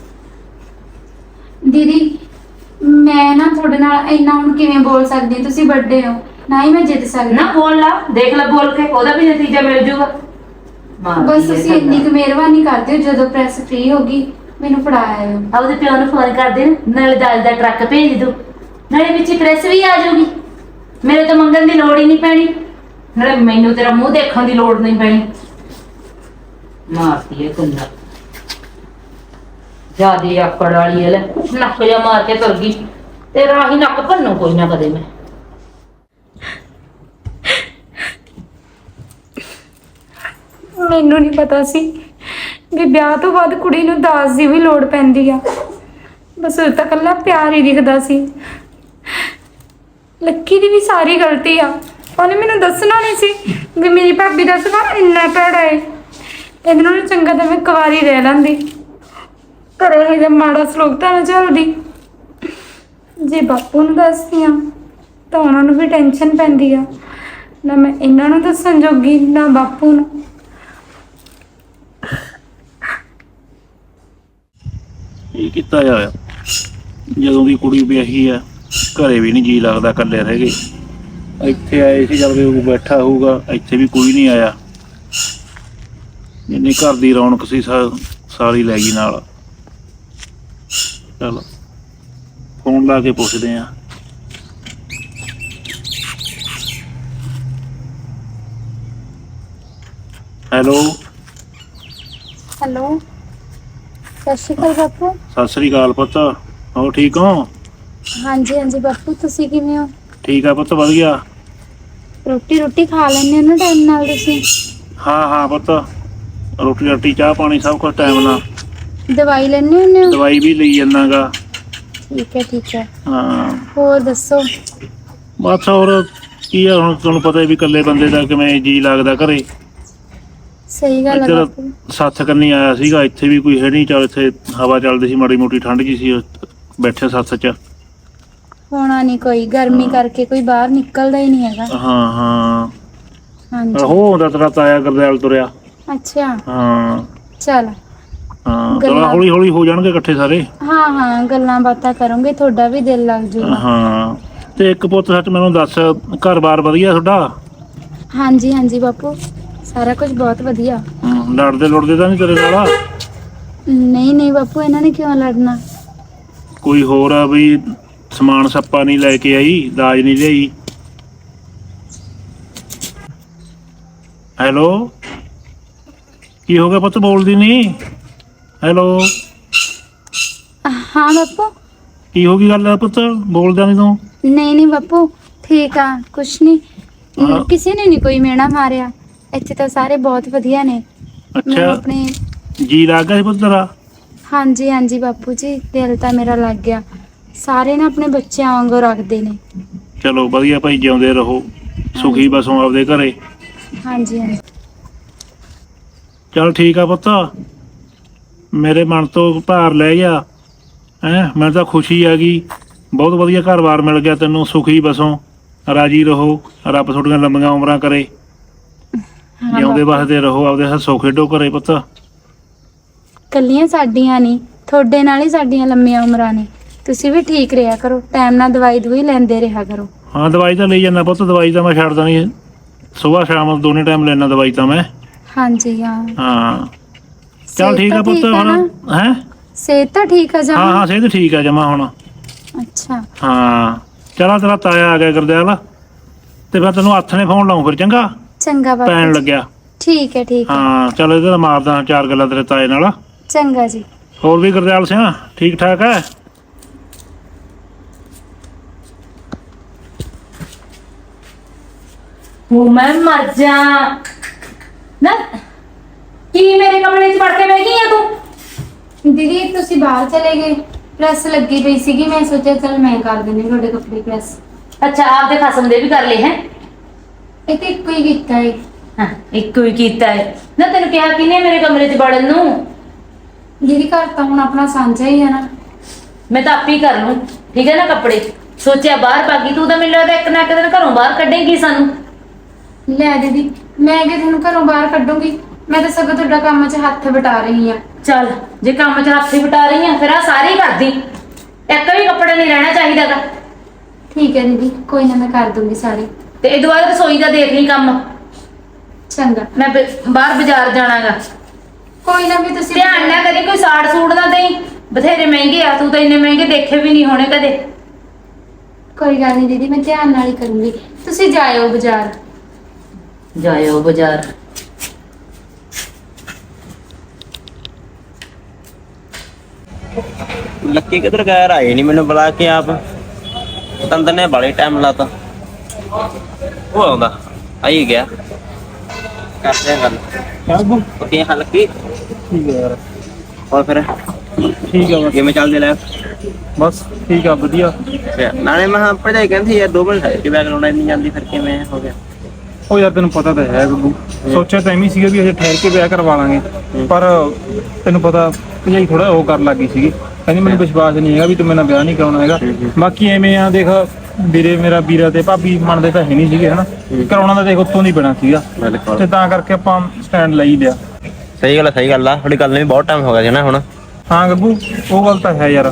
ਦੀਦੀ ਮੈਂ ਨਾ ਤੁਹਾਡੇ ਨਾਲ ਇੰਨਾ ਹੁਣ ਕਿਵੇਂ ਬੋਲ ਸਕਦੀ ਹਾਂ? ਤੁਸੀਂ ਵੱਡੇ ਹੋ ਨਾ, ਹੀ ਮੈਂ ਜਿੱਤ ਸਕਦੀ। ਨਾ ਬੋਲ ਲਾ, ਦੇਖ ਲੈ ਬੋਲ ਕੇ, ਉਹਦਾ ਵੀ ਨਤੀਜਾ ਮਿਲ ਜੂਗਾ। ਬਸ ਤੁਸੀਂ ਇੰਨੀ ਕੁ ਮਿਹਰਬਾਨੀ ਕਰਦੇ ਹੋ, ਜਦੋਂ ਪ੍ਰੈਸ ਫ੍ਰੀ ਹੋ ਗਈ ਮੈਨੂੰ ਫੜਾਇਆ। ਉਹਦੇ ਪਿਓ ਨੂੰ ਫੋਨ ਕਰ ਦੇ, ਨਾਲੇ ਦਾਲ ਦਾ ਟਰੱਕ ਭੇਜ ਦੋ, ਨਾਲੇ ਵਿੱਚ ਪ੍ਰੈਸ ਵੀ ਆ ਜਾਊਗੀ। ਮੇਰੇ ਤੋਂ ਮੰਗਣ ਦੀ ਲੋੜ ਹੀ ਨਹੀਂ ਪੈਣੀ, ਨਾਲੇ ਮੈਨੂੰ ਤੇਰਾ ਮੂੰਹ ਦੇਖਣ ਦੀ ਲੋੜ ਨਹੀਂ ਪੈਣੀ। ਮਾਰਦੀ ਹੈ ਕੁੰਡਾ ਜਿਆਦੀ ਆਕੜ ਵਾਲੀ ਹੈ। ਲੈ ਨੱਕ ਜਾ ਮਾਰ ਕੇ ਤੁਰ ਗਈ, ਤੇਰਾ ਹੀ ਨੱਕ ਭੰਨੂ ਕੋਈ ਨਾ ਕਦੇ ਮੈਂ। ਮੈਨੂੰ ਨਹੀਂ ਪਤਾ ਸੀ ਵੀ ਵਿਆਹ ਤੋਂ ਬਾਅਦ ਕੁੜੀ ਨੂੰ ਦਾਜ ਦੀ ਵੀ ਲੋੜ ਪੈਂਦੀ ਆ। ਬਸ ਉਹ ਤਾਂ ਇਕੱਲਾ ਪਿਆਰ ਹੀ ਦਿਖਦਾ ਸੀ। ਲੱਕੀ ਦੀ ਵੀ ਸਾਰੀ ਗਲਤੀ ਆ। ਉਹਨੇ ਮੈਨੂੰ ਦੱਸਣਾ ਨਹੀਂ ਸੀ ਵੀ ਮੇਰੀ ਭਾਬੀ ਦਾ ਸੁਭਾਅ ਇੰਨਾ ਭੈੜਾ ਹੈ। ਇਹਦੇ ਨਾਲੋਂ ਚੰਗਾ ਤਾਂ ਮੈਂ ਕੁਆਰੀ ਰਹਿ ਲੈਂਦੀ, ਘਰੇ ਇਹਦਾ ਮਾੜਾ ਸਲੂਕ ਤਾਂ ਨਾ ਚੱਲਦੀ। ਜੇ ਬਾਪੂ ਨੂੰ ਦੱਸਦੀ ਆ ਤਾਂ ਉਹਨਾਂ ਨੂੰ ਵੀ ਟੈਨਸ਼ਨ ਪੈਂਦੀ ਆ। ਨਾ ਮੈਂ ਇਹਨਾਂ ਨੂੰ ਦੱਸਣ ਜੋਗੀ, ਨਾ ਬਾਪੂ ਨੂੰ। ਇਹ ਕੀਤਾ ਹੋਇਆ ਜਦੋਂ ਦੀ ਕੁੜੀ ਵਿਆਹੀ ਆ, ਘਰੇ ਵੀ ਨਹੀਂ ਜੀ ਲੱਗਦਾ, ਇਕੱਲੇ ਰਹਿ ਗਏ। ਇੱਥੇ ਆਏ ਸੀ ਜਦ ਵੀ ਬੈਠਾ ਹੋਊਗਾ, ਇੱਥੇ ਵੀ ਕੋਈ ਨਹੀਂ ਆਇਆ। ਜਿੰਨੀ ਘਰ ਦੀ ਰੌਣਕ ਸੀ ਸਾ- ਸਾਰੀ ਲੈ ਗਈ ਨਾਲ। ਚਲ ਫੋਨ ਲਾ ਕੇ ਪੁੱਛਦੇ ਆ। ਹੈਲੋ ਹੈਲੋ, ਸਤਿ ਸ਼੍ਰੀ ਅਕਾਲ ਬਾਪੂ। ਸਤਿ ਸ੍ਰੀ ਅਕਾਲ ਪੁੱਤ, ਹੋਰ ਠੀਕ ਹੋ? ਹਾਂਜੀ ਹਾਂਜੀ ਬਾਪੂ, ਤੁਸੀਂ ਕਿਵੇਂ ਹੋ? ਠੀਕ ਆ ਪੁੱਤ, ਵਧੀਆ। ਰੋਟੀ ਰੋਟੀ ਖਾ ਲੈਂਦੇ ਹੋ ਨਾ ਟਾਈਮ ਨਾਲ ਤੁਸੀਂ? ਹਾਂ ਹਾਂ ਪੁੱਤ, ਰੋਟੀ ਰਾਟੀ ਚਾਹ ਪਾਣੀ ਸਭ ਕੁਝ ਟਾਈਮ ਨਾਲ। ਦਵਾਈ ਲੈਂਦੇ ਹੁੰਦੇ ਹੋ? ਦਵਾਈ ਵੀ ਲਈ ਜਾਂਦਾ ਗਾ। ਠੀਕ ਹੈ ਠੀਕ ਹੈ। ਹਾਂ ਹੋਰ ਦੱਸੋ? ਬਸ ਹੋਰ ਕੀ ਆ, ਹੁਣ ਤੁਹਾਨੂੰ ਪਤਾ ਵੀ ਇਕੱਲੇ ਬੰਦੇ ਦਾ ਕਿਵੇਂ ਜੀ ਲੱਗਦਾ ਘਰੇ। ਸਹੀ ਗੱਲ ਹੈ ਇੱਧਰ ਬਾਪੂ। ਸੱਥ ਕੰਨੀ ਆਇਆ ਸੀਗਾ, ਇੱਥੇ ਵੀ ਕੋਈ ਹੈ ਨਹੀਂ। ਚੱਲ ਇੱਥੇ ਹਵਾ ਚੱਲਦੀ ਸੀ, ਮਾੜੀ ਮੋਟੀ ਠੰਡ ਜੀ ਸੀ, ਬੈਠੇ ਸੱਥ 'ਚ। ਹੋਣਾ ਨਹੀਂ ਕੋਈ, ਗਰਮੀ ਕਰਕੇ ਕੋਈ ਬਾਹਰ ਨਿਕਲਦਾ ਹੀ ਨਹੀਂ ਹੈਗਾ। ਹਾਂ ਹਾਂ ਹਾਂਜੀ। ਹੋ ਆਉਂਦਾ ਤੇਰਾ ਤਾਇਆ ਗੁਰਦਿਆਲ ਤੁਰਿਆ। ਅੱਛਾ। ਹਾਂ ਚਲ। ਹਾਂ, ਚਲੋ ਗੱਲਾਂ- ਹੌਲੀ ਹੌਲੀ ਹੋ ਜਾਣਗੇ ਇਕੱਠੇ ਸਾਰੇ। ਹਾਂ ਹਾਂ, ਗੱਲਾਂ ਬਾਤਾਂ ਕਰੋਗੇ, ਤੁਹਾਡਾ ਵੀ ਦਿਲ ਲੱਗ ਜੂਗਾ। ਹਾਂ, ਤੇ ਇੱਕ ਪੁੱਤ ਸੱਚ ਮੈਨੂੰ ਦੱਸ, ਘਰ-ਬਾਰ ਵਧੀਆ ਤੁਹਾਡਾ? ਹਾਂਜੀ ਹਾਂਜੀ ਬਾਪੂ, ਸਾਰਾ ਕੁਝ ਬਹੁਤ ਵਧੀਆ। ਹਮ, ਲੜਦੇ ਲੁੜਦੇ ਤਾਂ ਨਹੀਂ ਤੇਰੇ ਨਾਲ? ਨਹੀਂ ਨਹੀਂ ਬਾਪੂ, ਇਹਨਾਂ ਨੇ ਕਿਉਂ ਲੜਨਾ? ਕੋਈ ਹੋਰ ਆ ਵੀ ਸਮਾਨ ਸੱਪਾ ਨਹੀਂ ਲੈ ਕੇ ਆਈ, ਦਾਜ ਨਹੀਂ ਲਿਆਈ? ਹੈਲੋ, ਕੀ ਹੋ ਗਿਆ ਪੁੱਤ, ਬੋਲਦੀ ਨਹੀਂ? ਹੈਲੋ, ਹਾਂ ਬਾਪੂ। ਕੀ ਹੋ ਗਈ ਗੱਲ ਪੁੱਤ, ਬੋਲਦਾ ਨਹੀਂ ਤੂੰ? ਨਹੀਂ ਨਹੀਂ ਬਾਪੂ, ਠੀਕ ਆ, ਕੁਛ ਨਹੀਂ। ਹਾਂ। ਕਿਸੇ ਨੇ ਨਹੀਂ ਕੋਈ ਮੇਣਾ ਮਾਰਿਆ, ਇੱਥੇ ਤਾਂ ਸਾਰੇ ਬਹੁਤ ਵਧੀਆ ਨੇ। ਮੈਂ ਅੱਛਾ, ਆਪਣੇ ਜੀ ਲੱਗ ਗਿਆ ਸੀ ਪੁੱਤ ਤੇਰਾ? ਹਾਂਜੀ ਹਾਂਜੀ ਬਾਪੂ ਜੀ, ਦਿਲ ਤਾਂ ਮੇਰਾ ਲੱਗ ਗਿਆ। ਸਾਰੇ ਨਾ ਆਪਣੇ ਬੱਚਿਆਂ ਵਾਂਗੂ ਰੱਖਦੇ ਨੇ। ਚਲੋ ਵਧੀਆ ਭਾਈ, ਜਿਉਂਦੇ ਰਹੋ, ਸੁਖੀ ਬਸੋ ਆਪਦੇ ਘਰੇ। ਹਾਂਜੀ ਹਾਂਜੀ। ਚਲ ਠੀਕ ਆ ਪੁੱਤ, ਮੇਰੇ ਮਨ ਤੋਂ ਭਾਰ ਲੈ ਗਿਆ ਹੈਂ। ਮੈਨੂੰ ਤਾਂ ਖੁਸ਼ੀ ਆ ਗਈ, ਬਹੁਤ ਵਧੀਆ ਘਰ-ਬਾਰ ਮਿਲ ਗਿਆ ਤੈਨੂੰ। ਸੁਖੀ ਬਸੋ, ਰਾਜੀ ਰਹੋ, ਰੱਬ ਤੁਹਾਡੀਆਂ ਲੰਬੀਆਂ ਉਮਰਾਂ ਕਰੇ। ਹਾਂ ਜਿਉਂਦੇ ਬਾਪੂ। ਵਸਦੇ ਰਹੋ, ਆਪਦੇ ਹੱਸੋ ਖੇਡੋ ਘਰੇ ਪੁੱਤ। ਕੱਲੀਆਂ ਸਾਡੀਆਂ ਨਹੀਂ, ਤੁਹਾਡੇ ਨਾਲ ਹੀ ਸਾਡੀਆਂ ਲੰਮੀਆਂ ਉਮਰਾਂ ਨੇ। ਤੁਸੀਂ ਵੀ ਠੀਕ ਰਿਹਾ ਕਰੋ, ਟਾਈਮ ਨਾਲ ਦਵਾਈ ਦਵਾਈ ਲੈਂਦੇ ਰਿਹਾ ਕਰੋ। ਹਾਂ, ਦਵਾਈ ਤਾਂ ਲਈ ਜਾਂਦਾ ਪੁੱਤ, ਦਵਾਈ ਤਾਂ ਮੈਂ ਛੱਡਦਾ ਨਹੀਂ। ਸੁਬਾਹ ਸ਼ਾਮ ਦੋਨੇ ਟਾਈਮ ਲੈਣਾ ਦਵਾਈ ਤਾਂ ਮੈਂ। ਹਾਂਜੀ ਹਾਂ। ਹਾਂ ਚਲ ਸਿਹਤ ਠੀਕ ਆ ਤਾਂ ਪੁੱਤ, ਠੀਕ ਆ ਹੁਣ ਨਾ? ਹੈਂ? ਸਿਹਤ ਤਾਂ ਠੀਕ ਆ ਹਾਂ ਜਮਾਂ? ਹਾਂ, ਸਿਹਤ ਠੀਕ ਆ ਜਮਾ ਹੁਣ। ਅੱਛਾ। ਹਾਂ, ਚਲਾ ਤੇਰਾ ਤਾਇਆ ਆ ਗਿਆ ਗੁਰਦਿਆਲ, ਤੇ ਮੈਂ ਤੈਨੂੰ ਹੱਥ ਨੇ ਫੋਨ ਲਾਉਂ ਫਿਰ, ਚੰਗਾ? ਚੰਗਾ ਬਾਪੂ ਪੈਣ ਜੀ। ਲੱਗਿਆ। ਠੀਕ ਹੈ ਠੀਕ ਹੈ। ਹਾਂ ਚਲ, ਇਹਦੇ ਨਾਲ ਮਾਰਦਾ ਚਾਰ ਗੱਲਾਂ ਤੇਰੇ ਤਾਏ ਨਾਲ। ਚੰਗਾ ਜੀ। ਹੋਰ ਵੀ ਗੁਰਦਿਆਲ ਸਿੰਘ ਠੀਕ ਠਾਕ ਹੈ? ਉਹ ਮੈਂ ਮਰ ਜਾ ਨਾ, ਕੀ ਮੇਰੇ ਕਮਰੇ 'ਚ ਵੜ ਕੇ ਬਹਿ ਗਈ ਆ ਤੂੰ? ਦੀਦੀ ਤੁਸੀਂ ਬਾਹਰ ਚਲੇ ਗਏ, ਪ੍ਰੈਸ ਲੱਗੀ ਪਈ ਸੀਗੀ, ਮੈਂ ਸੋਚਿਆ ਚਲ ਮੈਂ ਕਰ ਦਿੰਦੀ ਤੁਹਾਡੇ ਕੱਪੜੇ ਪ੍ਰੈਸ। ਅੱਛਾ, ਆਪਦੇ ਖਸਮ ਦੇ ਵੀ ਕਰ ਲਏ ਹੈ? ਇਹ ਤੇ ਇੱਕੋ ਹੀ ਕੀਤਾ ਹੈ। ਹਾਂ, ਇੱਕੋ ਹੀ ਕੀਤਾ ਹੈ ਨਾ। ਤੈਨੂੰ ਕਿਹਾ ਕਿਨੇ ਮੇਰੇ ਕਮਰੇ 'ਚ ਵੜਨ ਨੂੰ? ਦੀਦੀ ਘਰ ਤਾਂ ਹੁਣ ਆਪਣਾ ਸਾਂਝਾ ਹੀ ਆ ਨਾ। ਮੈਂ ਤਾਂ ਆਪੇ ਹੀ ਕਰ ਲੂੰ, ਠੀਕ ਹੈ ਨਾ। ਕੱਪੜੇ ਸੋਚਿਆ ਬਾਹਰ ਭਾਗੀ, ਤੂੰ ਤਾਂ ਮੈਨੂੰ ਲੱਗਦਾ ਇੱਕ ਨਾ ਇੱਕ ਦਿਨ ਘਰੋਂ ਬਾਹਰ ਕੱਢੇਂਗੀ ਸਾਨੂੰ। ਲੈ ਦੀਦੀ, ਮੈਂ ਕਿ ਤੁਹਾਨੂੰ ਘਰੋਂ ਬਾਹਰ ਕੱਢੂੰਗੀ? ਮੈਂ ਤਾਂ ਸਗੋਂ ਤੁਹਾਡਾ ਕੰਮ 'ਚ ਹੱਥ ਵਟਾ ਰਹੀ ਆ। ਚੱਲ, ਜੇ ਕੰਮ 'ਚ ਹੱਥ ਹੀ ਵਟਾ ਰਹੀ ਆ, ਫਿਰ ਆ ਸਾਰੇ ਹੀ ਕਰਦੀ। ਇੱਕ ਵੀ ਕੱਪੜਾ ਨਹੀਂ ਰਹਿਣਾ ਚਾਹੀਦਾਗਾ। ਠੀਕ ਹੈ ਦੀਦੀ, ਕੋਈ ਨਾ, ਮੈਂ ਕਰ ਦੂੰਗੀ ਸਾਰੇ। ਤੇ ਇਹ ਦੁਬਾਰਾ ਰਸੋਈ ਦਾ ਦੇਖ ਲਈ ਕੰਮ। ਚੰਗਾ। ਮੈਂ ਬ- ਬਾਹਰ ਬਾਜ਼ਾਰ ਜਾਣਾਗਾ। ਕੋਈ ਨਾ, ਵੀ ਤੁਸੀਂ ਧਿਆਨ ਨਾ ਕਰੀ ਕੋਈ ਸਾੜ ਸੂੜ ਨਾ ਦੇਈ, ਬਥੇਰੇ ਮਹਿੰਗੇ ਆ, ਤੂੰ ਤਾਂ ਇੰਨੇ ਮਹਿੰਗੇ ਦੇਖੇ ਵੀ ਨਹੀਂ ਹੋਣੇ ਕਦੇ। ਕੋਈ ਗੱਲ ਨਹੀਂ ਦੀਦੀ, ਮੈਂ ਧਿਆਨ ਨਾਲ ਹੀ ਕਰੂੰਗੀ। ਤੁਸੀਂ ਜਾਇਓ ਬਾਜ਼ਾਰ। ਜਾਇਓ ਬਾਜ਼ਾਰ। ਲੱਕੀ ਕਿੱਧਰ ਗਿਆ? ਆਏ ਨਹੀਂ ਮੈਨੂੰ ਬੁਲਾ ਕੇ ਆਪ। ਤੰਦਰ ਨੇ ਬੜੇ ਟਾਈਮ ਲਾਤਾ। ਉਹ ਆਉਂਦਾ, ਆਈ ਗਿਆ। ਕਰਦੇ ਆ ਗੱਲ। ਓਕੇ ਹਾਂ ਲੱਕੀ, ਠੀਕ ਹੈ ਯਾਰ। ਹੋਰ ਫਿਰ ਠੀਕ ਆ ਬਸ। ਕਿਵੇਂ ਚੱਲਦੇ ਲੈ? ਬਸ ਠੀਕ ਆ, ਵਧੀਆ। ਅੱਛਾ, ਨਾਲੇ ਮੈਂ ਹਾਂ ਭਰਜਾਈ ਕਹਿੰਦੀ ਯਾਰ ਦੋ ਮਿੰਟ ਠਹਿਰ ਕੇ ਬੈਗ ਲਾਉਣਾ ਨਹੀਂ ਜਾਂਦੀ, ਫਿਰ ਕਿਵੇਂ ਹੋ ਗਿਆ? ਉਹ ਯਾਰ ਤੈਨੂੰ ਪਤਾ ਤਾਂ ਹੈ ਗੱਗੂ, ਸੋਚਿਆ ਤਾਂ ਐਵੇਂ ਸੀਗਾ ਵੀ ਅਜੇ ਠਹਿਰ ਕੇ ਵਿਆਹ ਕਰਵਾ ਲਾਂਗੇ, ਪਰ ਤੈਨੂੰ ਪਤਾ ਭਜਾਈ ਥੋੜਾ ਉਹ ਕਰਨ ਲੱਗੀ ਸੀਗੀ। ਕਹਿੰਦੀ ਮੈਨੂੰ ਵਿਸ਼ਵਾਸ ਨਹੀਂ ਹੈਗਾ ਵੀ ਤੂੰ ਮੇਰੇ ਨਾਲ ਵਿਆਹ ਨਹੀਂ ਕਰਾਉਣਾ ਹੈਗਾ। ਬਾਕੀ ਐਵੇਂ ਆ, ਦੇਖ ਵੀਰੇ ਮੇਰਾ ਵੀਰਾ ਤੇ ਭਾਬੀ ਮੰਨਦੇ ਤਾਂ ਹੈ ਨਹੀਂ ਸੀਗੇ ਹਨਾ, ਕਰਾਉਣਾ ਤਾਂ ਦੇਖ ਉੱਤੋਂ ਨਹੀਂ ਪੈਣਾ ਸੀਗਾ, ਤੇ ਤਾਂ ਕਰਕੇ ਆਪਾਂ ਸਟੈਂਡ ਲਈ ਲਿਆ। ਸਹੀ ਗੱਲ ਆ, ਸਹੀ ਗੱਲ ਆ। ਤੁਹਾਡੀ ਗੱਲ ਨੂੰ ਵੀ ਬਹੁਤ ਟਾਈਮ ਹੋ ਗਿਆ ਸੀ ਨਾ ਹੁਣ। ਹਾਂ ਗੱਗੂ, ਉਹ ਗੱਲ ਤਾਂ ਹੈ ਯਾਰ,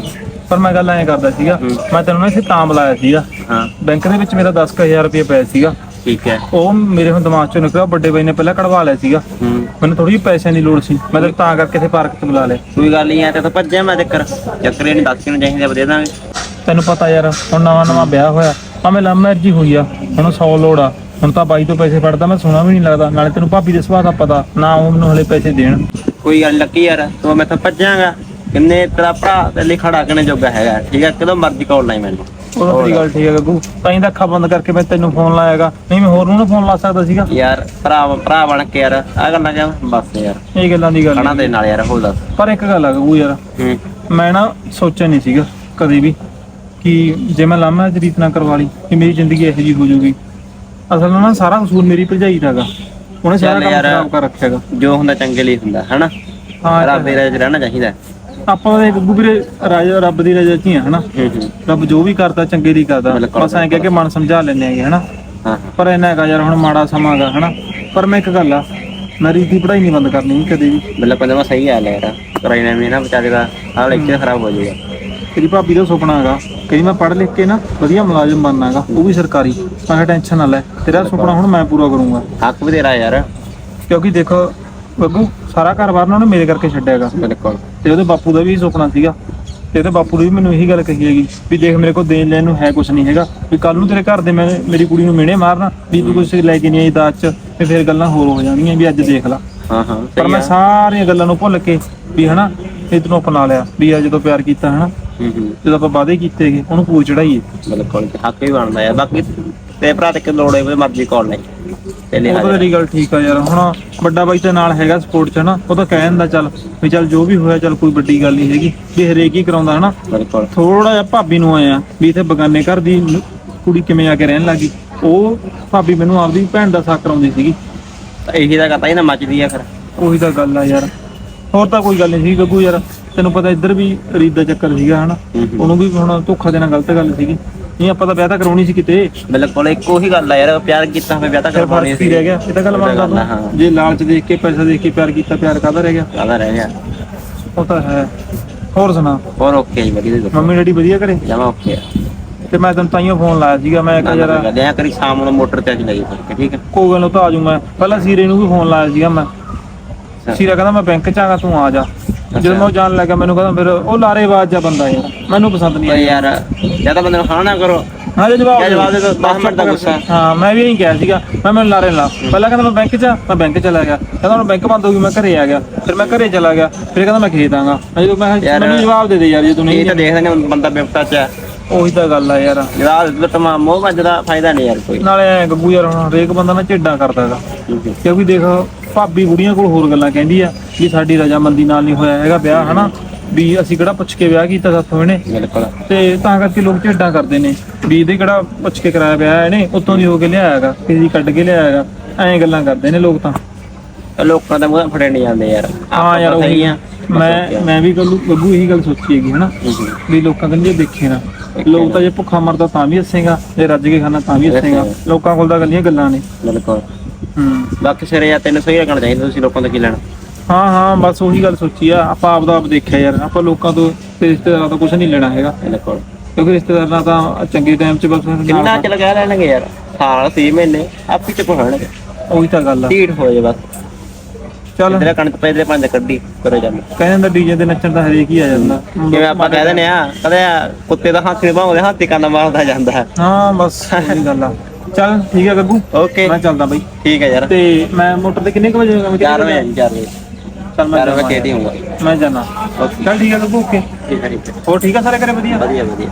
ਪਰ ਮੈਂ ਗੱਲ ਐਂ ਕਰਦਾ ਸੀਗਾ, ਮੈਂ ਤੈਨੂੰ ਨਾ ਇੱਥੇ ਤਾਂ ਬੁਲਾਇਆ ਸੀਗਾ। ਹਾਂ ਬੈਂਕ ਦੇ ਵਿੱਚ ਮੇਰਾ ਦਸ ਹਜ਼ਾਰ ਰੁਪਏ ਪਿਆ ਸੀਗਾ, ਠੀਕ ਹੈ। ਉਹ ਮੇਰੇ ਹੁਣ ਦਿਮਾਗ ਚੋਂ ਨਿਕਲਿਆ, ਵੱਡੇ ਬਾਈ ਨੇ ਪਹਿਲਾਂ ਕਢਵਾ ਲਿਆ ਸੀਗਾ। ਹੂੰ ਮੈਨੂੰ ਥੋੜੀ ਜਿਹੀ ਪੈਸਿਆਂ ਦੀ ਲੋੜ ਸੀ, ਮੈਂ ਤਾਂ ਤਾਂ ਕਰਕੇ ਇੱਥੇ ਪਾਰਕ 'ਚ ਬੁਲਾ ਲਿਆ। ਕੋਈ ਗੱਲ ਨਹੀਂ ਆ ਤੇ ਤਾਂ ਭੱਜਿਆ ਮੈਂ ਚੱਕਰ ਚੱਕਰ ਇਹ ਨਹੀਂ ਦੱਸ ਕਿਉਂ ਚਾਹੀਦਾ ਦੇ ਦਾਂਗੇ। ਤੈਨੂੰ ਪਤਾ ਯਾਰ ਹੁਣ ਨਵਾਂ ਨਵਾਂ ਵਿਆਹ ਹੋਇਆ, ਭਾਵੇਂ ਲਵ ਮੈਰਿਜ ਹੀ ਹੋਈ ਆ, ਹੁਣ ਸੌ ਲੋੜ ਆ। ਹੁਣ ਤਾਂ ਬਾਈ ਤੋਂ ਪੈਸੇ ਫੜਦਾ ਮੈਂ ਸੋਹਣਾ ਵੀ ਨਹੀਂ ਲੱਗਦਾ, ਨਾਲੇ ਤੈਨੂੰ ਭਾਬੀ ਦੇ ਸੁਭਾਅ ਦਾ ਪਤਾ ਨਾ, ਉਹ ਮੈਨੂੰ ਹਲੇ ਪੈਸੇ ਦੇਣ। ਕੋਈ ਗੱਲ ਲੱਕੀ ਯਾਰ ਤੂੰ ਮੈਥੋਂ ਭੱਜਾਂਗਾ ਕਿੰਨੇ ਤੇਰਾ ਭਰਾ ਤੇ ਲਈ ਖੜਾ ਕਰਨੇ ਜੋਗਾ ਹੈਗਾ, ਠੀਕ ਹੈ। ਕਦੋਂ ਮਰਜ਼ੀ ਕਾਲ ਲਾਈ ਮੈਨੂੰ। ਉਹ ਤੇਰੀ ਗੱਲ ਠੀਕ ਹੈ ਗੱਗੂ, ਤਾਂ ਹੀ ਤਾਂ ਅੱਖਾਂ ਬੰਦ ਕਰਕੇ ਮੈਂ ਤੈਨੂੰ ਫੋਨ ਲਾਇਆਗਾ, ਨਹੀਂ ਮੈਂ ਹੋਰ ਨੂੰ ਨਾ ਫੋਨ ਲਾ ਸਕਦਾ ਸੀਗਾ। ਯਾਰ ਭਰਾ ਭਰਾ ਬਣ ਕੇ ਯਾਰ ਆ ਗੱਲਾਂ ਕਿਉਂ ਬਸ ਯਾਰ ਇਹ ਗੱਲਾਂ ਦੀ ਗੱਲ ਖਾਣਾ ਦੇ ਨਾਲ ਯਾਰ ਹੋ ਦੱਸ। ਪਰ ਇੱਕ ਗੱਲ ਆ ਗੱਗੂ ਯਾਰ, ਹੂੰ ਮੈਂ ਨਾ ਸੋਚਿਆ ਨਹੀਂ ਸੀਗਾ ਕਦੇ ਵੀ ਕਿ ਜੇ ਮੈਂ ਲਾਮਾ ਦੀ ਰੀਤ ਨਾ ਕਰਵਾ ਲਈ ਕਿ ਮੇਰੀ ਜ਼ਿੰਦਗੀ ਇਹੋ ਜਿਹੀ ਹੋ ਜਾਊਗੀ। ਅਸਲ ਨਾਲ ਨਾ ਸਾਰਾ ਕਸੂਰ ਮੇਰੀ ਭਰਜਾਈ ਦਾ ਗਾ, ਉਹਨੇ ਸਾਰਾ ਚੱਲ ਕੰਮ ਯਾਰ, ਖਰਾਬ ਕਰ ਰੱਖਿਆਗਾ। ਜੋ ਹੁੰਦਾ ਚੰਗੇ ਲਈ ਹੁੰਦਾ ਹਨਾ, ਹਾਂ ਰੱਬ ਦੇ ਰਾਜ ਰਹਿਣਾ ਚਾਹੀਦਾ। ਆਪਾਂ ਦੇ ਗੱਗੂ ਵੀਰੇ ਰਾਜਾ ਰੱਬ ਦੀ ਰਜ਼ਾ 'ਚ ਹੀ ਆ ਹਨਾ, ਹੂੰ ਹੂੰ ਰੱਬ ਜੋ ਵੀ ਕਰਦਾ ਚੰਗੇ ਲਈ ਕਰਦਾ, ਬਿਲਕੁਲ। ਬਸ ਐਂ ਕਹਿ ਕੇ ਮਨ ਸਮਝਾ ਲੈਂਦੇ ਹੈਗੇ ਹਨਾ। ਹਾਂ ਪਰ ਇਹਨਾਂ ਹੈਗਾ ਯਾਰ ਹੁਣ ਮਾੜਾ ਸਮਾਂ ਗਾ ਹਨਾ। ਪਰ ਮੈਂ ਇੱਕ ਗੱਲ ਆ, ਮੈਂ ਰੀਤ ਦੀ ਪੜ੍ਹਾਈ ਨਹੀਂ ਬੰਦ ਕਰਨੀ ਕਦੇ ਵੀ। ਬਿਲਕੁਲ ਜਮਾ ਸਹੀ ਹਾਲ ਹੈ ਯਾਰ, ਕਰਾਈ ਨਾ ਨਾ ਵਿਚਾਰੇ ਦਾ ਹਾਲ ਇੱਥੇ ਖਰਾਬ ਹੋ ਜਾਏਗਾ। ਤੇਰੀ ਭਾਬੀ ਦਾ ਸੁਪਨਾ ਹੈਗਾ ਕਈ ਮੈਂ ਪੜ੍ਹ ਲਿਖ ਕੇ ਨਾ ਵਧੀਆ ਮੁਲਾਜ਼ਮ ਬਣਨਾ ਹੈਗਾ, ਉਹ ਵੀ ਸਰਕਾਰੀ। ਮੈਂ ਕਿਹਾ ਟੈਨਸ਼ਨ ਨਾ ਲੈ, ਤੇਰਾ ਸੁਪਨਾ ਹੁਣ ਮੈਂ ਪੂਰਾ ਕਰੂੰਗਾ। ਹੱਕ ਵੀ ਤੇਰਾ ਯਾਰ। ਕਿਉਂਕਿ ਦੇਖੋ ਗੱਗੂ ਸਾਰਾ ਘਰ-ਬਾਰ ਨਾ ਉਹਨੇ ਮੇਰੇ ਕਰਕੇ ਛੱਡਿਆ ਹੈਗਾ, ਬਿਲਕੁਲ ਤੇ ਉਹਦੇ ਬਾਪੂ ਦਾ ਵੀ ਸੁਪਨਾ ਸੀਗਾ, ਤੇ ਉਹਦੇ ਬਾਪੂ ਨੇ ਵੀ ਮੈਨੂੰ ਇਹੀ ਗੱਲ ਕਹੀ ਹੈਗੀ ਵੀ ਦੇਖ ਮੇਰੇ ਕੋਲ ਦੇਣ ਲੈਣ ਨੂੰ ਹੈ ਕੁਛ ਨਹੀਂ ਹੈਗਾ, ਵੀ ਕੱਲ ਨੂੰ ਤੇਰੇ ਘਰ ਦੇ ਮੈਂ ਮੇਰੀ ਕੁੜੀ ਨੂੰ ਮਿਹਣੇ ਮਾਰਨਾ ਵੀ ਤੂੰ ਕੁਛ ਲੈ ਕੇ ਨਹੀਂ ਆਈ ਦਾਜ 'ਚ, ਤੇ ਫਿਰ ਗੱਲਾਂ ਹੋਰ ਹੋ ਜਾਣਗੀਆਂ ਵੀ ਅੱਜ ਦੇਖ ਲਾ। ਹਾਂ ਹਾਂ ਪਰ ਮੈਂ ਸਾਰੀਆਂ ਗੱਲਾਂ ਨੂੰ ਭੁੱਲ ਕੇ ਵੀ ਹਨਾ ਇਹ ਤੈਨੂੰ ਅਪਣਾ ਲਿਆ ਵੀ ਆ ਜਦੋਂ ਪਿਆਰ ਕੀਤਾ ਹਨਾ, ਹੂੰ ਹੂੰ ਜਦੋਂ ਆਪਾਂ ਵਾਅਦੇ ਕੀਤੇ ਹੈਗੇ ਉਹਨੂੰ ਪੂਰ ਚੜਾਈਏ। ਬਿਲਕੁਲ ਹੱਕ ਵੀ ਬਣਦਾ ਯਾਰ। ਬਾਕੀ ਤੇ ਭਰਾ ਤੇ ਕਿ ਲੋੜ ਹੈ ਮਰਜ਼ੀ ਕਾਲ ਨਹੀਂ ਪਹਿਲੇ ਉਹ ਤਾਂ ਤੇਰੀ ਗੱਲ ਠੀਕ ਆ ਯਾਰ, ਹੁਣ ਵੱਡਾ ਬਾਈ ਤੇ ਨਾਲ ਹੈਗਾ ਸਪੋਰਟ 'ਚ ਹਨਾ, ਉਹ ਤਾਂ ਕਹਿ ਦਿੰਦਾ ਚੱਲ ਵੀ ਚੱਲ ਜੋ ਵੀ ਹੋਇਆ ਚੱਲ ਕੋਈ ਵੱਡੀ ਗੱਲ ਨਹੀਂ ਹੈਗੀ, ਵੀ ਹਰੇਕ ਹੀ ਕਰਾਉਂਦਾ ਹਨਾ। ਬਿਲਕੁਲ ਥੋੜਾ ਜਿਹਾ ਭਾਬੀ ਨੂੰ ਆਇਆ ਵੀ ਇੱਥੇ ਬਗਾਨੇ ਘਰ ਦੀ ਨ- ਕੁੜੀ ਕਿਵੇਂ ਆ ਕੇ ਰਹਿਣ ਲੱਗੀ, ਉਹ ਭਾਬੀ ਮੈਨੂੰ ਆਪਦੀ ਭੈਣ ਦਾ ਸਾਕ ਕਰਾਉਂਦੀ ਸੀਗੀ। ਤਾਂ ਇਹੀ ਤਾਂ ਕਰਤਾ ਹੀ ਨਾ ਮੱਚਦੀ ਆ ਫਿਰ। ਉਹੀ ਤਾਂ ਗੱਲ ਆ ਯਾਰ, ਹੋਰ ਤਾਂ ਕੋਈ ਗੱਲ ਨਹੀਂ ਸੀ ਗੱਗੂ ਯਾਰ, ਤੈਨੂੰ ਪਤਾ ਇੱਧਰ ਵੀ ਰੀਤ ਦਾ ਚੱਕਰ ਸੀਗਾ ਹਨਾ, ਹੂੰ ਹੂੰ। ਉਹਨੂੰ ਵੀ ਹੁਣ ਧੋਖਾ ਦੇਣਾ ਗਲਤ ਗੱਲ ਸੀਗੀ, ਨਹੀਂ ਆਪਾਂ ਤਾਂ ਵਿਆਹ ਤਾਂ ਕਰਾਉਣੀ ਸੀ ਕਿਤੇ। ਬਿਲਕੁਲ ਇੱਕੋ ਹੀ ਗੱਲ ਆ ਯਾਰ, ਪਿਆਰ ਕੀਤਾ ਹੋਵੇ ਵਿਆਹ ਤਾਂ ਫਿਰ ਕਰਵਾਉਣੀ ਫਰਕ ਹੀ ਰਹਿ ਗਿਆ, ਇਹ ਤਾਂ ਗੱਲ ਮੰਨਦਾ ਗੱਲ ਆ, ਹਾਂ। ਤੂੰ। ਜੇ ਲਾਲਚ ਦੇਖ ਕੇ ਪੈਸਾ ਦੇਖ ਕੇ ਪਿਆਰ ਕੀਤਾ, ਪਿਆਰ ਕਾਹਦਾ ਰਹਿ ਗਿਆ? ਕਾਹਦਾ ਰਹਿ ਗਿਆ। ਉਹ ਤਾਂ ਹੈ। ਹੋਰ ਸੁਣਾ, ਹੋਰ ਓਕੇ ਜੀ ਵਧੀਆ ਜੀ, ਮੰਮੀ ਡੈਡੀ ਵਧੀਆ ਘਰੇ? ਜਮਾ ਓਕੇ ਆ। ਤੇ ਮੈਂ ਤੈਨੂੰ ਤਾਈਓ ਫੋਨ ਲਾਇਆ ਸੀਗਾ, ਮੈਂ ਕਿਹਾ ਯਾਰ ਗੱਲ ਐ ਕਰੀ ਸ਼ਾਮ ਨੂੰ ਮੋਟਰ ਤੇ ਅੱਜ ਲਈ ਫਿਰ ਠੀਕ ਹੈ। ਕੋਈ ਗੱਲ ਨੀ, ਉਹ ਤਾਂ ਆ ਜਾਊਂ ਮੈਂ। ਪਹਿਲਾਂ ਸੀਰੇ ਨੂੰ ਵੀ ਫੋਨ ਲਾਇਆ ਸੀਗਾ ਮੈਂ, ਸੀਰਾ ਕਹਿੰਦਾ ਮੈਂ ਬੈਂਕ 'ਚ ਆਗਾ ਤੂੰ ਆ ਜਾ। ਜਦੋਂ ਮੈਂ ਉਹ ਜਾਣ ਲੱਗਾ ਮੈਨੂੰ ਕਹਿੰਦਾ ਫਿਰ ਉਹ ਲਾਰੇਬਾਜ਼ ਜਿਹਾ ਬੰਦਾ ਯਾਰ, ਮੈਨੂੰ ਪਸੰਦ ਨਹੀਂ ਭਾਈ ਆਇਆ ਯਾਰ ਜਾਂ ਤਾਂ ਬੰਦੇ ਨੂੰ ਖਾਣਾ ਕਰੋ। ਹਾਂ ਜੇ ਜਵਾਬ ਕਿਆ ਜਵਾਬ ਦੇ ਦਿਓ, ਦਸ ਮਿੰਟ ਦਾ ਗੁੱਸਾ। ਹਾਂ ਮੈਂ ਵੀ ਇਹੀ ਕਿਹਾ ਸੀਗਾ, ਮੈਂ ਮੈਨੂੰ ਲਾਰੇ ਲਾ। ਪਹਿਲਾਂ ਕਹਿੰਦਾ ਮੈਂ ਬੈਂਕ 'ਚ ਆ, ਮੈਂ ਬੈਂਕ ਚਲਾ ਗਿਆ, ਕਹਿੰਦਾ ਹੁਣ ਬੈਂਕ ਬੰਦ ਹੋ ਗਈ, ਮੈਂ ਘਰੇ ਆ ਗਿਆ, ਫਿਰ ਮੈਂ ਘਰੇ ਚਲਾ ਗਿਆ, ਫਿਰ ਕਹਿੰਦਾ ਮੈਂ ਖੇਤ ਆਂਗਾ। ਜਦੋਂ ਮੈਂ ਕਿਹਾ ਯਾਰ, ਮੈਨੂੰ ਜਵਾਬ ਦੇ ਦੇ ਯਾਰ, ਜੇ ਤੂੰ ਇਹ ਨਹੀਂ ਤਾਂ ਦੇਖਦੇ ਨੇ ਬੰਦਾ ਬਿਪਤਾ ਚ ਹੈ। ਉਹੀ ਤਾਂ ਗੱਲ ਆ ਯਾਰ। ਜਵਾਬ ਤਮਾਮ ਮੋਹ ਵੱਜਦਾ ਫਾਇਦਾ ਨਹੀਂ ਯਾਰ ਕੋਈ। ਨਾਲੇ ਐਂ ਗੱਗੂ ਯਾਰ ਹੁਣ ਹਰੇਕ ਬੰਦਾ ਨਾ ਝੇਡਾਂ ਕਰਦਾ ਹੈਗਾ, ਕਿਉਂਕਿ ਦੇਖ ਭਾਬੀ ਬੁੜੀਆਂ ਕੋਲ ਹੋਰ ਗੱਲਾਂ ਕਹਿੰਦੀ ਆ ਵੀ ਸਾਡੀ ਰਜਾਮੰਦੀ ਨਾਲ ਨਹੀਂ ਹੋਇਆ ਹੈਗਾ ਵਿਆਹ ਹਨਾ, ਵੀ ਅਸੀਂ ਕਿਹੜਾ ਪੁੱਛ ਕੇ ਵਿਆਹ ਕੀਤਾ ਸਾਥੋਂ ਇਹਨੇ, ਬਿਲਕੁਲ ਤੇ ਤਾਂ ਕਰਕੇ ਲੋਕ ਝੇਡਾਂ ਕਰਦੇ ਨੇ ਵੀ ਇਹਦੇ ਕਿਹੜਾ ਪੁੱਛ ਕੇ ਕਰਾਇਆ ਵਿਆਹ ਇਹਨੇ, ਉੱਤੋਂ ਦੀ ਹੋ ਕੇ ਲਿਆਇਆ ਹੈਗਾ, ਕਿਸੇ ਦੀ ਕੱਢ ਕੇ ਲਿਆਇਆ ਹੈਗਾ, ਐਂ ਗੱਲਾਂ ਕਰਦੇ ਨੇ ਲੋਕ ਤਾਂ। ਲੋਕਾਂ ਦਾ ਮੂੰਹ ਫੜੇ ਨਹੀਂ ਜਾਂਦੇ ਯਾਰ। ਹਾਂ ਯਾਰ ਸਹੀ ਉਹੀ ਆ। ਮੈਂ ਮੈਂ ਵੀ ਗੱਲੂ ਗੱਗੂ ਇਹੀ ਗੱਲ ਸੋਚੀ ਹੈਗੀ ਹਨਾ, ਵੀ ਲੋਕਾਂ ਕਹਿੰਦੇ ਦੇਖੇ ਨਾ, ਲੋਕ ਤਾਂ ਜੇ ਭੁੱਖਾ ਮਰਦਾ ਤਾਂ ਵੀ ਹੱਸੇਗਾ, ਜੇ ਰੱਜ ਕੇ ਖਾਣਾ ਤਾਂ ਵੀ ਹੱਸੇਗਾ, ਲੋਕਾਂ ਕੋਲ ਤਾਂ ਗੱਲੀਆਂ ਗੱਲਾਂ ਨੇ। ਬਿਲਕੁਲ ਹੂੰ ਬਾਕੀ ਸਿਰੇ ਯਾਰ ਤੈਨੂੰ ਸਹੀ ਰੱਖਣਾ ਚਾਹੀਦਾ, ਤੁਸੀਂ ਲੋਕਾਂ ਤੋਂ ਕੀ ਲੈਣਾ। ਹਾਂ ਹਾਂ ਬਸ ਉਹੀ ਗੱਲ ਸੋਚੀ ਆ ਆਪਾਂ, ਆਪਦਾ ਆਪ ਦੇਖਿਆ ਯਾਰ, ਆਪਾਂ ਲੋਕਾਂ ਤੋਂ ਤੇ ਰਿਸ਼ਤੇਦਾਰਾਂ ਤੋਂ ਕੁਝ ਨਹੀਂ ਲੈਣਾ ਹੈਗਾ, ਬਿਲਕੁਲ ਕਿਉਂਕਿ ਰਿਸ਼ਤੇਦਾਰਾਂ ਤਾਂ ਚੰਗੇ ਟਾਈਮ 'ਚ ਬਸ ਕਿੰਨਾ ਨਾਲ- ਚਲ ਗਿਆ ਲੈਣਗੇ ਯਾਰ, ਸਾਲ ਛੇ ਮਹੀਨੇ ਆਪੀ ਚ ਪਹੁੰਚਣਗੇ, ਉਹੀ ਤਾਂ ਗੱਲ ਆ। ਢੀਠ ਹੋ ਜਾਏ ਬਸ। ਚੱਲ ਇਧਰ ਕਣਕ ਪੈ ਇਧਰ ਪੰਜ ਕੱਢੀ ਕਰੋ ਜਾਂਦੇ। ਕਹਿੰਦੇ ਹੁੰਦਾ ਡੀਜੇ ਤੇ ਨੱਚਣ ਤਾਂ ਹਰੇਕ ਹੀ ਆ ਜਾਂਦਾ, ਜਿਵੇਂ ਆਪਾਂ ਕਹਿ ਦਿੰਦੇ ਆ ਕਦੇ ਕੁੱਤੇ ਦਾ ਹੱਥ ਨਹੀਂ ਭਾਉਂਦੇ, ਹਾਥੀ ਕੰਨ ਮਾਰਦਾ ਜਾਂਦਾ ਹੈ। ਹਾਂ ਬਸ ਉਹੀ ਗੱਲ ਆ। ਚੱਲ ਠੀਕ ਆ ਗੱਗੂ, ਓਕੇ ਮੈਂ ਚੱਲਦਾ ਬਈ। ਠੀਕ ਹੈ ਯਾਰ, ਤੇ ਮੈਂ ਮੋਟਰ ਤੇ ਕਿੰਨੇ ਕੁ ਵਜੇ ਹੋਗਾ? ਚਾਰ ਵਜੇ ਚਾਰ ਵਜੇ ਚੱਲ ਮੈਂ ਚਾਰ ਵਜੇ ਜਾਵਾਂ ਖੇਤੀ ਹੋਊਗਾ। ਮੈਂ ਜਾਣਾ। ਓਕੇ ਚੱਲ ਠੀਕ ਆ ਗੱਗੂ, ਓਕੇ। ਠੀਕ ਹੈ ਠੀਕ ਹੈ ਹੋਰ ਠੀਕ ਆ ਸਾਰੇ ਘਰੇ ਵਧੀਆ? ਵਧੀਆ ਵਧੀਆ।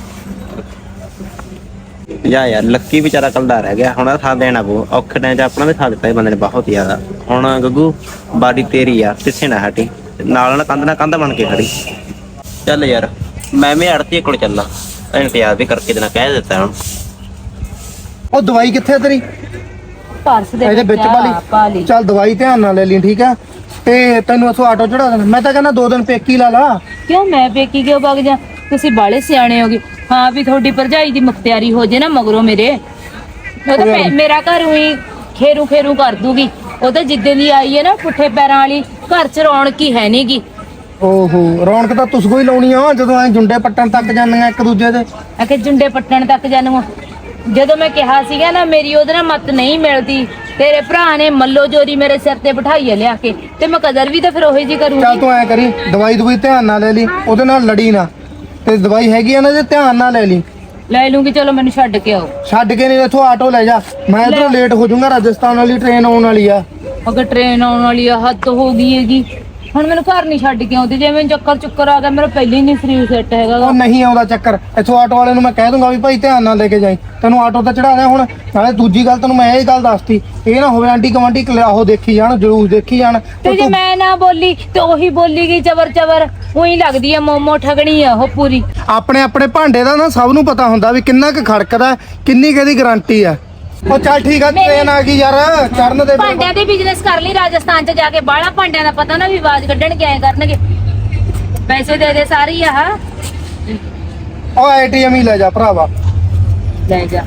ਜਾ ਯਾਰ ਲੱਕੀ ਵਿਚਾਰਾ ਕੱਲਦਾ ਰਹਿ ਗਿਆ, ਹੁਣ ਸਾਥ ਦੇਣਾ ਪਊ ਔਖੇ ਟਾਈਮ 'ਚ, ਆਪਣਾ ਵੀ ਸਾਥ ਦਿੱਤਾ ਇਹ ਬੰਦੇ ਨੇ ਬਹੁਤ ਜ਼ਿਆਦਾ। ਹੁਣ ਗੱਗੂ ਬਾਡੀ ਤੇਰੀ ਆ, ਪਿੱਛੇ ਨਾ ਹਟੀ, ਨਾਲ ਨਾਲ ਕੰਧ ਨਾਲ ਕੰਧ ਬਣ ਕੇ ਖੜੀ। ਚੱਲ ਯਾਰ ਮੈਂ ਵੀ ਅੜਤੀ ਕੋਲ ਚੱਲਾਂ, ਇੰਤਜ਼ਾਰ ਵੀ ਕਰਕੇ ਦੇਣਾ ਕਹਿ ਦਿੱਤਾ ਹੁਣ। ਉਹ ਦਵਾਈ ਕਿੱਥੇ ਆ ਤੇਰੀ? ਪਰਸ ਦੇ ਇਹਦੇ ਵਿੱਚ ਪਾ ਲਈ। ਚੱਲ ਦਵਾਈ ਧਿਆਨ ਨਾਲ ਲੈ ਲਈ ਠੀਕ ਆ, ਤੇ ਤੈਨੂੰ ਉੱਥੋਂ ਆਟੋ ਚੜਾ ਦੇਣਾ। ਮੈਂ ਤਾਂ ਕਹਿੰਦਾ ਦੋ ਦਿਨ ਪੇਕੀ ਲਾ ਲਾ। ਕਿਉਂ ਮੈਂ ਪੇਕੀ ਕਿਉਂ ਵਗ ਜਾ? ਤੁਸੀਂ ਬਾਲੇ ਸਿਆਣੇ ਹੋਗੇ। ਹਾਂ ਵੀ ਤੁਹਾਡੀ ਭਰਜਾਈ ਦੀ ਮੁਖਤਿਆਰੀ ਹੋ ਜੇ ਨਾ ਮਗਰੋਂ ਮੇਰੇ, ਉਹ ਤਾਂ ਮੇ- ਮੇਰਾ ਘਰ ਹੋਈ ਖੇਰੂ ਖੇਰੂ ਕਰ ਦੂਗੀ। ਉਹ ਤਾਂ ਜਿੱਦਾਂ ਦੀ ਆਈ ਹੈ ਨਾ ਪੁੱਠੇ ਪੈਰਾਂ ਵਾਲੀ, ਘਰ ਚ ਰੌਣਕ ਹੀ ਹੈ ਨੀ ਗੀ। ਓਹੋ ਰੌਣਕ ਤਾਂ ਤੁਸਕੋ ਹੀ ਲਾਉਣੀ ਆ ਜਦੋਂ ਐ ਜੁੰਡੇ ਪੱਟਣ ਤੱਕ ਜਾਂਦੀਆਂ ਇੱਕ ਦੂਜੇ ਦੇ। ਆਖੇ ਜੁੰਡੇ ਪੱਟਣ ਤੱਕ ਜਾਨੂੰ ਜਦੋਂ ਮੈਂ ਕਿਹਾ ਸੀਗਾ ਨਾ ਮੇਰੀ ਉਹਦੇ ਨਾਲ ਮੱਤ ਨਹੀਂ ਮਿਲਦੀ, ਤੇਰੇ ਭਰਾ ਨੇ ਮੱਲੋ ਜੋਰੀ ਮੇਰੇ ਸਿਰ ਤੇ ਬਿਠਾਈ ਆ ਲਿਆ ਕੇ, ਤੇ ਮੈਂ ਕਦਰ ਵੀ ਤਾਂ ਫਿਰ ਉਹੀ ਜੀ ਚੱਲ ਕਰੂੰਗੀ। ਤੂੰ ਐ ਕਰੀ ਦਵਾਈ ਦਵਾਈ ਧਿਆਨ ਨਾਲ ਲੈ ਲਈ, ਉਹਦੇ ਨਾਲ ਲੜੀ ਨਾ, ਤੇ ਦਵਾਈ ਹੈਗੀ ਆ ਨਾ ਜੇ ਧਿਆਨ ਨਾਲ ਲੈ ਲਈ। ਲੈ ਲੂੰਗੀ, ਚਲੋ ਮੈਨੂੰ ਛੱਡ ਕੇ ਆਓ। ਛੱਡ ਕੇ ਨਹੀਂ ਇੱਥੋਂ ਆਟੋ ਲੈ ਜਾ, ਮੈਂ ਇਧਰੋਂ ਲੇਟ ਹੋ ਜਾਊਂਗਾ, ਰਾਜਸਥਾਨ ਵਾਲੀ ਟ੍ਰੇਨ ਆਉਣ ਵਾਲੀ ਆ। ਅਗਰ ਟ੍ਰੇਨ ਆਉਣ ਵਾਲੀ ਆ, ਹੱਦ ਹੋ ਗਈ ਹੈਗੀ। ਹੁਣ ਮੈਨੂੰ ਘਰ ਨਹੀਂ ਛੱਡ ਕੇ ਆਉਂਦੀ, ਜੇ ਮੈਨੂੰ ਚੱਕਰ ਚੁੱਕਰ ਆ ਗਿਆ, ਮੇਰਾ ਪਹਿਲੇ ਹੀ ਨਹੀਂ ਸਰੀਰ ਸੈੱਟ ਹੈਗਾ ਗਾ। ਉਹ ਨਹੀਂ ਆਉਂਦਾ ਚੱਕਰ, ਇੱਥੋਂ ਆਟੋ ਵਾਲੇ ਨੂੰ ਮੈਂ ਕਹਿ ਦੂੰਗਾ ਵੀ ਭਾਈ ਧਿਆਨ ਨਾਲ ਲੈ ਕੇ ਜਾਈ, ਤੈਨੂੰ ਆਟੋ ਤੇ ਚੜਾ ਦਿਆਂ। ਹੁਣ ਨਾਲੇ ਦੂਜੀ ਗੱਲ ਤੈਨੂੰ ਮੈਂ ਇਹ ਗੱਲ ਦੱਸਤੀ, ਇਹ ਨਾ ਹੋਵੇ ਆਂਟੀ ਕਮਾਂਟੀ ਉਹ ਦੇਖੀ ਜਾਣ, ਜਲੂਸ ਦੇਖੀ ਜਾਣ। ਤੇ ਜੇ ਮੈਂ ਨਾ ਬੋਲੀ ਤੇ ਉਹੀ ਬੋਲੀ ਗਈ ਚਵਰ ਚਵਰ, ਉਹੀ ਲੱਗਦੀ ਆ ਮੋਮੋ ਠਗਣੀ ਆ ਉਹ ਪੂਰੀ। ਆਪਣੇ ਆਪਣੇ ਭਾਂਡੇ ਦਾ ਨਾ ਸਭ ਨੂੰ ਪਤਾ ਹੁੰਦਾ ਵੀ ਕਿੰਨਾ ਕੁ ਖੜਕਦਾ, ਕਿੰਨੀ ਕਿਹਦੀ ਗਾਰੰਟੀ ਆ। ਉਹ ਚੱਲ ਠੀਕ ਆ, ਟ੍ਰੇਨ ਆ ਗਈ ਯਾਰ, ਚੜਨ ਦੇ। ਭਾਂਡਿਆਂ ਦੇ ਬਿਜ਼ਨਸ ਕਰ ਲਈ ਰਾਜਸਥਾਨ ਚ ਜਾ ਕੇ, ਬਾਹਲਾ ਭਾਂਡਿਆਂ ਦਾ ਪਤਾ ਨਾ ਵੀ ਆਵਾਜ਼ ਕੱਢਣ ਕੇ ਆਏ ਕਰਨਗੇ। ਪੈਸੇ ਦੇ ਦੇ ਸਾਰੇ ਹੀ ਆ। ਉਹ ਏਟੀਐਮ ਹੀ ਲੈ ਜਾ ਭਰਾਵਾ, ਲੈ ਜਾ,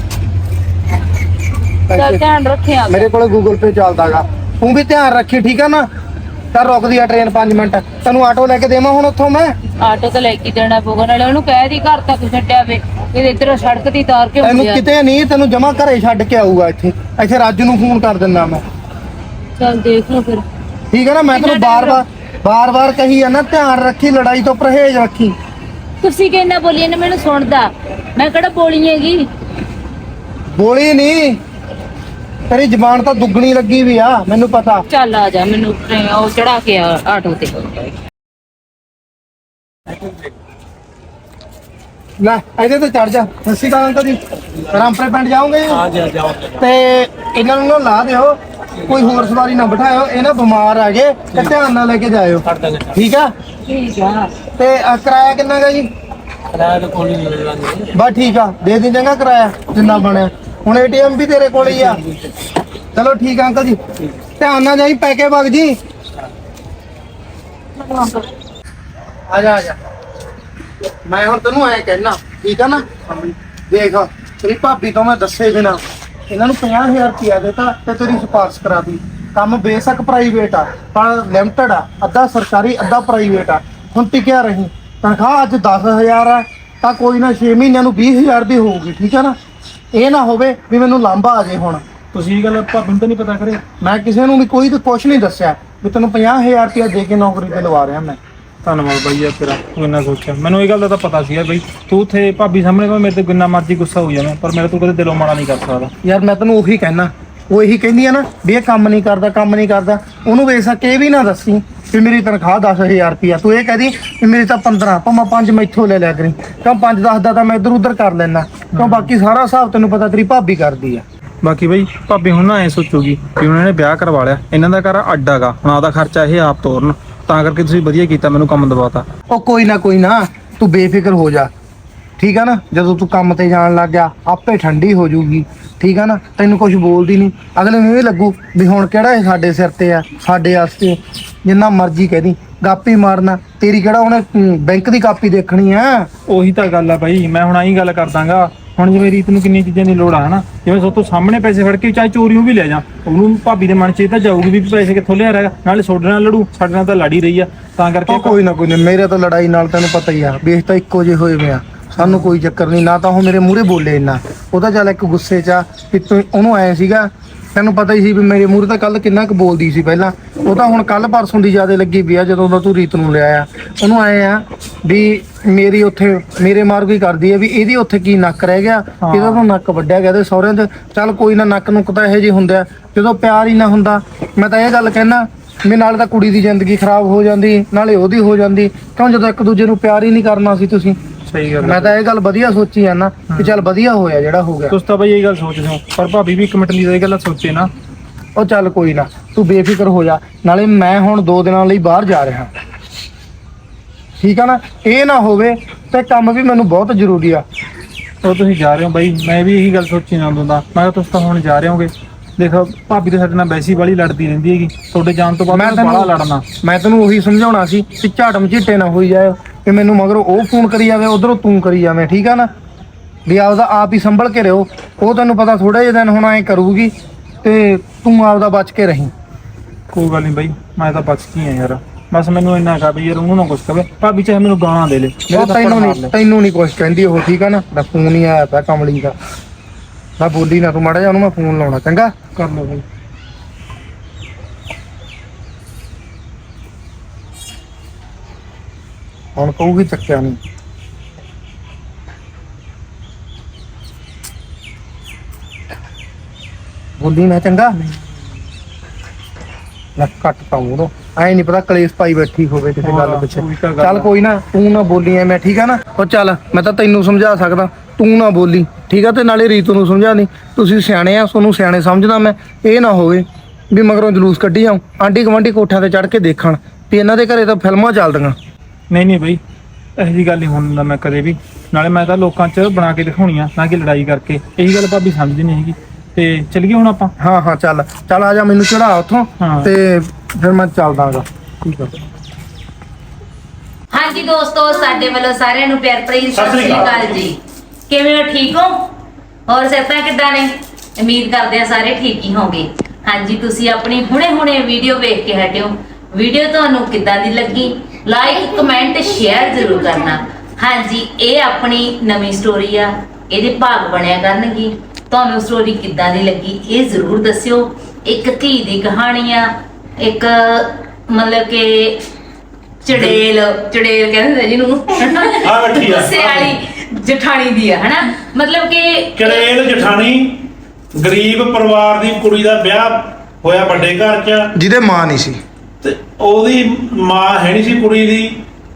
ਚੱਲ ਧਿਆਨ ਰੱਖਿਆ। ਮੇਰੇ ਕੋਲ ਗੂਗਲ ਪੇ ਚੱਲਦਾਗਾ, ਤੂੰ ਵੀ ਧਿਆਨ ਰੱਖੀ ਠੀਕ ਆ ਨਾ। ਤਾਂ ਰੁਕਦੀ ਆ ਟ੍ਰੇਨ ਪੰਜ ਮਿੰਟ, ਤੈਨੂੰ ਆਟੋ ਲੈ ਕੇ ਦੇਵਾਂ ਹੁਣ ਉੱਥੋਂ ਮੈਂ। ਆਟੋ ਤਾਂ ਲੈ ਕੇ ਦੇਣਾ ਪਊਗਾ, ਨਾਲੇ ਉਹਨੂੰ ਕਹਿ ਦੀ ਘਰ ਤੱਕ ਛੱਡਿਆ ਵੇ, ਇਹ ਇੱਧਰ ਸੜਕ ਦੀ ਤਾਰ ਕੇ ਤੈਨੂੰ ਹੁੰਦੀ ਆ। ਕਿਤੇ ਨਹੀਂ, ਤੈਨੂੰ ਜਮਾ ਘਰੇ ਛੱਡ ਕੇ ਆਊਗਾ ਇੱਥੇ। ਇੱਥੇ ਰਾਜੂ ਨੂੰ ਫੋਨ ਕਰ ਦਿੰਦਾ ਮੈਂ, ਚੱਲ ਦੇਖ ਲਓ ਫਿਰ। ਠੀਕ ਹੈ ਨਾ। ਮੈਂ ਤੈਨੂੰ ਬਾਰ-ਬਾਰ ਬਾਰ-ਬਾਰ ਕਹੀ ਆ ਨਾ, ਧਿਆਨ ਰੱਖੀ, ਲੜਾਈ ਤੋਂ ਪਰਹੇਜ਼ ਰੱਖੀ। ਤੁਸੀਂ ਕਿੰਨਾ ਬੋਲੀ ਨੇ ਮੈਨੂੰ ਸੁਣਦਾ, ਮੈਂ ਕਿਹੜਾ ਬੋਲੀ ਹੈਗੀ। ਬੋਲੀ ਨਹੀਂ, ਤੇਰੀ ਜ਼ਬਾਨ ਤਾਂ ਦੁੱਗਣੀ ਲੱਗੀ ਵੀ ਆ, ਮੈਨੂੰ ਪਤਾ। ਚੱਲ ਆ ਜਾ, ਮੈਨੂੰ ਟ੍ਰੇਨ ਉਹ ਚੜਾ ਕੇ ਆ ਆਟੋ ਤੇ। ਲੈ ਇਹਦੇ ਤੇ ਚੜ ਜਾ। ਸੱਸੀ ਕਾਲ ਅੰਕਲ ਜੀ, ਰਾਮਪੁਰੇ ਪਿੰਡ ਜਾਓਗੇ? ਹਾਂ ਜੀ ਜਾਓ। ਤੇ ਇਹਨਾਂ ਨੂੰ ਨਾ ਲਾ ਦਿਓ, ਕੋਈ ਹੋਰ ਸਵਾਰੀ ਨਾ ਬਿਠਾਇਓ, ਇਹ ਨਾ ਬਿਮਾਰ ਆ ਗਏ, ਤੇ ਧਿਆਨ ਨਾਲ ਲੈ ਕੇ ਜਾਇਓ, ਠੀਕ ਆ? ਠੀਕ ਆ। ਤੇ ਅ, ਕਿਰਾਇਆ ਕਿੰਨਾ ਗਾ ਜੀ? ਕਿਰਾਇਆ ਤਾਂ ਕੋਈ ਨਹੀਂ ਮਿਲਦਾ। ਬਸ ਠੀਕ ਆ, ਦੇ ਦੇ ਚੰਗਾ ਕਿਰਾਇਆ ਜਿੰਨਾ ਬਣਿਆ। ਹੁਣ ਏਟੀਐਮ ਵੀ ਤੇਰੇ ਕੋਲ ਹੀ ਆ। ਚਲੋ ਠੀਕ ਆ ਅੰਕਲ ਜੀ, ਧਿਆਨ ਨਾਲ ਜਾਈ, ਪੈ ਕੇ ਵਗ ਜੀ। ਆ ਜਾ ਆ ਜਾ, ਮੈਂ ਹੁਣ ਤੈਨੂੰ ਐ ਕਹਿਣਾ, ਠੀਕ ਆ ਨਾ? ਦੇਖ ਤੇਰੀ ਭਾਬੀ ਤੋਂ ਮੈਂ ਦੱਸੇ ਬਿਨਾ ਇਹਨਾਂ ਨੂੰ ਪੰਜਾਹ ਹਜ਼ਾਰ ਰੁਪਇਆ ਦਿੱਤਾ ਤੇ ਤੇਰੀ ਸਿਫਾਰਿਸ਼ ਕਰਾ ਦੀ। ਕੰਮ ਬੇਸ਼ੱਕ ਪ੍ਰਾਈਵੇਟ ਆ, ਪਰ ਲਿਮਟਡ ਆ, ਅੱਧਾ ਸਰਕਾਰੀ ਅੱਧਾ ਪ੍ਰਾਈਵੇਟ ਆ। ਹੁਣ ਟਿਕਿਆ ਰਹੀ, ਤਨਖਾਹ ਅੱਜ ਦਸ ਹਜ਼ਾਰ ਆ ਤਾਂ ਕੋਈ ਨਾ ਛੇ ਮਹੀਨਿਆਂ ਨੂੰ ਵੀਹ ਹਜ਼ਾਰ ਦੀ ਹੋਊਗੀ, ਠੀਕ ਆ ਨਾ? ਇਹ ਨਾ ਹੋਵੇ ਵੀ ਮੈਨੂੰ ਲਾਂਭਾ ਆ ਜੇ। ਹੁਣ ਤੁਸੀਂ ਇਹ ਗੱਲ ਭਾਬੀ ਨੂੰ ਤਾਂ ਨਹੀਂ ਪਤਾ ਕਰੇ? ਮੈਂ ਕਿਸੇ ਨੂੰ ਵੀ ਕੋਈ ਤੇ ਕੁਛ ਨਹੀਂ ਦੱਸਿਆ ਵੀ ਤੈਨੂੰ ਪੰਜਾਹ ਹਜ਼ਾਰ ਰੁਪਇਆ ਦੇ ਕੇ ਨੌਕਰੀ ਤੇ ਲਵਾ ਰਿਹਾ ਮੈਂ। ਧੰਨਵਾਦ ਬਾਈ ਯਾਰ ਤੇਰਾ, ਤੂੰ ਇੰਨਾ ਸੋਚਿਆ। ਮੈਨੂੰ ਇਹ ਗੱਲ ਦਾ ਤਾਂ ਪਤਾ ਸੀਗਾ ਬਈ ਤੂੰ ਉੱਥੇ ਭਾਬੀ ਸਾਹਮਣੇ ਭਾਵੇਂ ਮੇਰੇ ਤੇ ਜਿੰਨਾ ਮਰਜ਼ੀ ਗੁੱਸਾ ਹੋ ਜਾਵੇਂ, ਪਰ ਮੇਰੇ ਤੋਂ ਕਦੇ ਦਿਲੋਂ ਮਾੜਾ ਨਹੀਂ ਕਰ ਸਕਦਾ ਯਾਰ। ਮੈਂ ਤੈਨੂੰ ਉਹੀ ਕਹਿਣਾ, ਉਹ ਇਹੀ ਕਹਿੰਦੀ ਆ ਨਾ ਵੀ ਇਹ ਕੰਮ ਨਹੀਂ ਕਰਦਾ, ਕੰਮ ਨਹੀਂ ਕਰਦਾ। ਉਹਨੂੰ ਵੇਖ ਕੇ ਇਹ ਵੀ ਨਾ ਦੱਸੀ ਵੀ ਮੇਰੀ ਤਨਖਾਹ ਦਸ ਹਜ਼ਾਰ ਰੁਪਇਆ, ਤੂੰ ਇਹ ਕਹਦੀ ਵੀ ਮੇਰੀ ਤਾਂ ਪੰਦਰਾਂ, ਭਾਵੇਂ ਪੰਜ ਮੈਥੋਂ ਲੈ ਲਿਆ ਕਰੀ, ਕਿਉਂ ਪੰਜ ਦਸ ਦਾ ਤਾਂ ਮੈਂ ਇੱਧਰ ਉੱਧਰ ਕਰ ਲੈਣਾ, ਕਿਉਂ ਬਾਕੀ ਸਾਰਾ ਹਿਸਾਬ ਤੈਨੂੰ ਪਤਾ ਤੇਰੀ ਭਾਬੀ ਕਰਦੀ ਆ। ਬਾਕੀ ਬਈ ਭਾਬੀ ਹੁਣ ਨਾ ਐ ਸੋਚੂਗੀ ਕਿ ਉਹਨਾਂ ਨੇ ਵਿਆਹ ਕਰਵਾ ਲਿਆ, ਇਹਨਾਂ ਦਾ ਘਰ ਅੱਡਾ ਗਾ, ਹੁਣ ਆਪਦਾ ਖਰਚਾ ਇਹ ਆਪ ਤੋਰਨ, ਤਾਂ ਕਰਕੇ ਤੁਸੀਂ ਵਧੀਆ ਕੀਤਾ, ਮੈਨੂੰ ਕੰਮ ਦਵਾਤਾ। ਉਹ ਕੋਈ ਨਾ ਕੋਈ ਨਾ, ਤੂੰ ਬੇਫਿਕਰ ਹੋ ਜਾ, ਠੀਕ ਆ ਨਾ? ਜਦੋਂ ਤੂੰ ਕੰਮ ਤੇ ਜਾਣ ਲੱਗ ਗਿਆ ਆਪੇ ਠੰਡੀ ਹੋ ਜਾਊਗੀ, ਠੀਕ ਆ ਨਾ? ਤੈਨੂੰ ਕੁਝ ਬੋਲਦੀ ਨਹੀਂ, ਅਗਲੇ ਨੂੰ ਇਹ ਲੱਗੂ ਵੀ ਹੁਣ ਕਿਹੜਾ ਇਹ ਸਾਡੇ ਸਿਰ ਤੇ ਆ, ਸਾਡੇ ਵਾਸਤੇ ਜਿੰਨਾ ਮਰਜ਼ੀ ਕਹਿਦੀ ਗਾਪੀ ਮਾਰਨਾ, ਤੇਰੀ ਕਿਹੜਾ ਉਹਨੇ ਬੈਂਕ ਦੀ ਕਾਪੀ ਦੇਖਣੀ ਆ। ਉਹੀ ਤਾਂ ਗੱਲ ਆ ਬਾਈ, ਮੈਂ ਹੁਣ ਆਹੀ ਗੱਲ ਕਰਦਾਂਗਾ। ਹੁਣ ਜਿਵੇਂ ਰੀਤ ਨੂੰ ਕਿੰਨੀ ਚੀਜ਼ਾਂ ਦੀ ਲੋੜ ਆ ਹਨਾ, ਜਿਵੇਂ ਸੋ ਤੋਂ ਸਾਹਮਣੇ ਪੈਸੇ ਫੜ ਕੇ ਚਾਹੇ ਚੋਰੀਆਂ ਵੀ ਲੈ ਜਾ, ਉਹਨੂੰ ਭਾਬੀ ਦੇ ਮਨ 'ਚ ਇਹ ਤਾਂ ਜਾਊਗੀ ਵੀ ਪੈਸੇ ਕਿੱਥੋਂ ਲਿਆ ਰਿਹਾ, ਨਾਲੇ ਤੁਹਾਡੇ ਨਾਲ ਲੜੂ, ਸਾਡੇ ਨਾਲ ਤਾਂ ਲੜੀ ਰਹੀ ਆ, ਤਾਂ ਕਰਕੇ ਕੋਈ ਨਾ ਕੋਈ ਨਾ, ਮੇਰੇ ਤਾਂ ਲੜਾਈ ਨਾਲ ਤੈਨੂੰ ਪਤਾ ਹੀ ਆ, ਵੇਖ ਤਾਂ ਇੱਕੋ ਜਿਹੇ ਹੋਏ ਪਿਆ, ਸਾਨੂੰ ਕੋਈ ਚੱਕਰ ਨਹੀਂ। ਨਾ ਤਾਂ ਉਹ ਮੇਰੇ ਮੂਹਰੇ ਬੋਲੇ ਇੰਨਾ, ਉਹਦਾ ਚੱਲ ਇੱਕ ਗੁੱਸੇ 'ਚ ਆ ਕਿ ਤੂੰ ਉਹਨੂੰ ਆਏ ਸੀਗਾ, ਤੈਨੂੰ ਪਤਾ ਹੀ ਸੀ ਵੀ ਮੇਰੇ ਮੂਹਰੇ ਤਾਂ ਕੱਲ ਕਿੰਨਾ ਕੁ ਬੋਲਦੀ ਸੀ ਪਹਿਲਾਂ, ਉਹ ਤਾਂ ਹੁਣ ਕੱਲ ਪਰਸੋਂ ਦੀ ਜ਼ਿਆਦਾ ਲੱਗੀ ਪਈ ਆ ਜਦੋਂ ਦਾ ਤੂੰ ਰੀਤ ਨੂੰ ਲਿਆ ਆ। ਉਹਨੂੰ ਆਏ ਆ ਵੀ ਮੇਰੀ ਉੱਥੇ ਮੇਰੇ ਮਾਰ ਕੋਈ ਕਰਦੀ ਆ ਵੀ ਇਹਦੀ ਉੱਥੇ ਕੀ ਨੱਕ ਰਹਿ ਗਿਆ, ਇਹਦਾ ਤਾਂ ਨੱਕ ਵੱਢਿਆ ਗਿਆ ਤੇ ਸਹੁਰਿਆਂ ਦੇ। ਚੱਲ ਕੋਈ ਨਾ, ਨੱਕ ਨੁੱਕ ਤਾਂ ਇਹੋ ਜਿਹੇ ਹੁੰਦੇ ਆ, ਜਦੋਂ ਪਿਆਰ ਹੀ ਨਾ ਹੁੰਦਾ। ਮੈਂ ਤਾਂ ਇਹ ਗੱਲ ਕਹਿਣਾ ਵੀ ਨਾਲੇ ਤਾਂ ਕੁੜੀ ਦੀ ਜ਼ਿੰਦਗੀ ਖਰਾਬ ਹੋ ਜਾਂਦੀ, ਨਾਲੇ ਉਹਦੀ ਹੋ ਜਾਂਦੀ, ਕਿਉਂ ਜਦੋਂ ਇੱਕ ਦੂਜੇ ਨੂੰ ਪਿਆਰ ਹੀ ਨਹੀਂ ਕਰਨਾ ਸੀ ਤੁਸੀਂ। ਸਹੀ ਗੱਲ। ਮੈਂ ਤਾਂ ਇਹ ਗੱਲ ਵਧੀਆ ਸੋਚੀ ਆ ਨਾ ਕਿ ਚੱਲ ਵਧੀਆ ਹੋਇਆ ਜਿਹੜਾ ਹੋ ਗਿਆ। ਤੁਸੀਂ ਤਾਂ ਬਈ ਇਹ ਗੱਲ ਸੋਚਦੇ ਹੋ, ਪਰ ਭਾਬੀ ਵੀ ਇੱਕ ਮਿੰਟ ਲਈ ਇਹ ਗੱਲ ਸੋਚੇ ਨਾ। ਉਹ ਚੱਲ ਕੋਈ ਨਾ, ਤੂੰ ਬੇਫਿਕਰ ਹੋ ਜਾ। ਨਾਲੇ ਮੈਂ ਹੁਣ ਦੋ ਦਿਨਾਂ ਲਈ ਬਾਹਰ ਜਾ ਰਿਹਾ, ਠੀਕ ਆ ਨਾ? ਇਹ ਨਾ ਹੋਵੇ ਤੇ ਕੰਮ ਵੀ ਮੈਨੂੰ ਬਹੁਤ ਜ਼ਰੂਰੀ ਆ। ਉਹ ਤੁਸੀਂ ਜਾ ਰਹੇ ਹੋ ਬਾਈ, ਮੈਂ ਵੀ ਇਹੀ ਗੱਲ ਸੋਚੀ ਨਾ ਹੁੰਦਾ। ਮੈਂ ਕਿਹਾ ਤੁਸੀਂ ਤਾਂ ਹੁਣ ਜਾ ਰਹੇ ਹੋਗੇ, ਦੇਖੋ ਭਾਬੀ ਤੇ ਸਾਡੇ ਨਾਲ ਵੈਸੀ ਵਾਲੀ ਲੜਦੀ ਰਹਿੰਦੀ ਹੈਗੀ, ਤੁਹਾਡੇ ਜਾਣ ਤੋਂ ਬਾਅਦ ਮੈਂ ਬੜਾ ਲੜਨਾ। ਮੈਂ ਤੈਨੂੰ ਉਹੀ ਸਮਝਾਉਣਾ ਸੀ ਕਿ ਝਾਟ ਮਝੀਟੇ ਨਾ ਹੋਈ ਜਾਏ ਕਿ ਮੈਨੂੰ ਮਗਰੋਂ ਉਹ ਫੋਨ ਕਰੀ ਜਾਵੇ, ਉਧਰੋਂ ਤੂੰ ਕਰੀ ਜਾਵੇਂ, ਠੀਕ ਆ ਨਾ? ਵੀ ਆਪਦਾ ਆਪ ਹੀ ਸੰਭਲ ਕੇ ਰਹੋ। ਉਹ ਤੈਨੂੰ ਪਤਾ ਥੋੜੇ ਜਿਹੇ ਦਿਨ ਹੁਣ ਐਂ ਕਰੂਗੀ ਤੇ ਤੂੰ ਆਪਦਾ ਬਚ ਕੇ ਰਹੀਂ। ਕੋਈ ਗੱਲ ਨਹੀਂ ਬਾਈ, ਮੈਂ ਤਾਂ ਬਚ ਗਈ ਆ ਯਾਰ, ਬਸ ਮੈਨੂੰ ਇੰਨਾ ਕਹਾ ਵੀ ਯਾਰ ਉਹਨੂੰ ਨਾ ਕੁਛ ਕਵੇ ਭਾਬੀ ਚਾਹੇ ਮੈਨੂੰ ਗਾਲਾਂ ਦੇ ਲੈ ਮੇਰੇ ਉਹ ਥੱਪੜ ਤੈਨੂੰ ਮਾਰ ਨਹੀਂ ਲੈ ਤੈਨੂੰ ਨਹੀਂ ਕੁਛ ਕਹਿੰਦੀ ਉਹ, ਠੀਕ ਆ ਨਾ। ਮੈਂ ਫੋਨ ਹੀ ਆਇਆ ਪਿਆ ਕਮਲੀ ਦਾ, ਮੈਂ ਬੋਲੀ ਨਾ ਤੂੰ ਮਾੜਾ ਜਿਹਾ ਉਹਨੂੰ, ਮੈਂ ਫੋਨ ਲਾਉਣਾ ਚੰਗਾ। ਕਰ ਲਓ ਬਈ। ਹੁਣ ਕਹੂਗੀ ਚੱਕਿਆ ਨਹੀਂ। ਬੋਲੀ ਨਾ ਚੰਗਾ, ਨਾ ਕੱਟ ਪਾਉਂ ਉਦੋਂ ਐ ਨਹੀਂ ਪਤਾ ਕਲੇਸ਼ ਪਾਈ ਬੈਠੀ ਹੋਵੇ ਕਿਸੇ ਗੱਲ ਪਿੱਛੇ। ਉਹੀ ਤਾਂ ਗੱਲ ਚੱਲ ਆ। ਕੋਈ ਨਾ, ਤੂੰ ਨਾ ਬੋਲੀ ਐ, ਮੈਂ ਠੀਕ ਆ ਨਾ। ਉਹ ਚੱਲ ਮੈਂ ਤਾਂ ਤੈਨੂੰ ਸਮਝਾ ਸਕਦਾ, ਤੂੰ ਨਾ ਬੋਲੀ ਠੀਕ ਆ। ਤੇ ਨਾਲੇ ਰੀਤੂ ਨੂੰ ਸਮਝਾ ਦੀ, ਤੁਸੀਂ ਸਿਆਣੇ ਆ, ਤੁਹਾਨੂੰ ਸਿਆਣੇ ਸਮਝਦਾ ਮੈਂ। ਇਹ ਨਾ ਹੋਵੇ ਵੀ ਮਗਰੋਂ ਜਲੂਸ ਕੱਢੀ ਜਾਉ, ਆਂਢੀ ਗੁਆਂਢੀ ਕੋਠਿਆਂ ਤੇ ਚੜ ਕੇ ਦੇਖਣ ਵੀ ਇਹਨਾਂ ਦੇ ਘਰੇ ਤਾਂ ਫਿਲਮਾਂ ਚੱਲਦੀਆਂ। ਨਹੀਂ ਨਹੀਂ ਬਈ ਇਹੋ ਜਿਹੀ ਗੱਲ ਨਹੀਂ ਹੋਣ ਦਿੰਦਾ ਮੈਂ ਕਦੇ ਵੀ। ਨਾਲੇ ਮੈਂ ਤਾਂ ਲੋਕਾਂ 'ਚ ਬਣਾ ਕੇ ਦਿਖਾਉਣੀ ਆ, ਨਾ ਕਿ ਲੜਾਈ ਕਰਕੇ। ਇਹੀ ਗੱਲ ਭਾਬੀ ਸਮਝਦੀ ਨਹੀਂ ਹੈਗੀ। ਤੇ ਚੱਲੀਏ ਹੁਣ ਆਪਾਂ। ਹਾਂ ਹਾਂ ਚੱਲ ਚੱਲ ਆ ਜਾ, ਮੈਨੂੰ ਚੜਾ ਉੱਥੋਂ ਹਾਂ। ਤੇ ਫਿਰ ਮੈਂ ਚੱਲਦਾਗਾ। ਠੀਕ ਆ। ਹਾਂਜੀ ਦੋਸਤੋ, ਸਾਡੇ ਵੱਲੋਂ ਸਾਰਿਆਂ ਨੂੰ ਪਿਆਰ ਭਰੀ ਸਤਿ ਸ੍ਰੀ ਅਕਾਲ ਜੀ। ਕਿਵੇਂ ਹੋ, ਠੀਕ ਹੋ? ਹੋਰ ਸਿਹਤਾਂ ਕਿੱਦਾਂ ਨੇ? ਉਮੀਦ ਕਰਦੇ ਆ ਸਾਰੇ ਠੀਕ ਹੀ ਹੋਗੇ। ਹਾਂਜੀ, ਤੁਸੀਂ ਆਪਣੀ ਹੁਣੇ ਹੁਣੇ ਵੀਡੀਓ ਵੇਖ ਕੇ ਹਟਿਓ। ਵੀਡੀਓ ਤੁਹਾਨੂੰ ਕਿੱਦਾਂ ਦੀ ਲੱਗੀ? ਲਾਈਕ ਕਮੈਂਟ ਸ਼ੇਅਰ ਜ਼ਰੂਰ ਕਰਨਾ। ਹਾਂਜੀ, ਇਹ ਆਪਣੀ ਨਵੀਂ ਸਟੋਰੀ ਆ, ਇਹਦੇ ਭਾਗ ਬਣਿਆ ਕਰਨਗੇ। ਤੁਹਾਨੂੰ ਸਟੋਰੀ ਕਿੱਦਾਂ ਦੀ ਲੱਗੀ ਇਹ ਜ਼ਰੂਰ ਦੱਸਿਓ। ਇੱਕ ਧੀ ਦੀ ਕਹਾਣੀ ਆ, ਇੱਕ ਮਤਲਬ ਕਿ ਚੜੇਲ ਚੜੇਲ ਕਹਿੰਦੇ ਜਿਹਨੂੰ ਆ ਬੈਠੀ ਆ ਗੁੱਸੇ ਵਾਲੀ ਜਠਾਣੀ ਦੀ ਆ, ਹਨਾ। ਮਤਲਬ ਕਿ ਕਰੇਲ ਜਠਾਣੀ, ਗਰੀਬ ਪਰਿਵਾਰ ਦੀ ਕੁੜੀ ਦਾ ਵਿਆਹ ਹੋਇਆ ਵੱਡੇ ਘਰ 'ਚ, ਜਿਹਦੇ ਮਾਂ ਨਹੀਂ ਸੀ ਤੇ ਉਹਦੀ ਮਾਂ ਹੈ ਨਹੀਂ ਸੀ ਕੁੜੀ ਦੀ।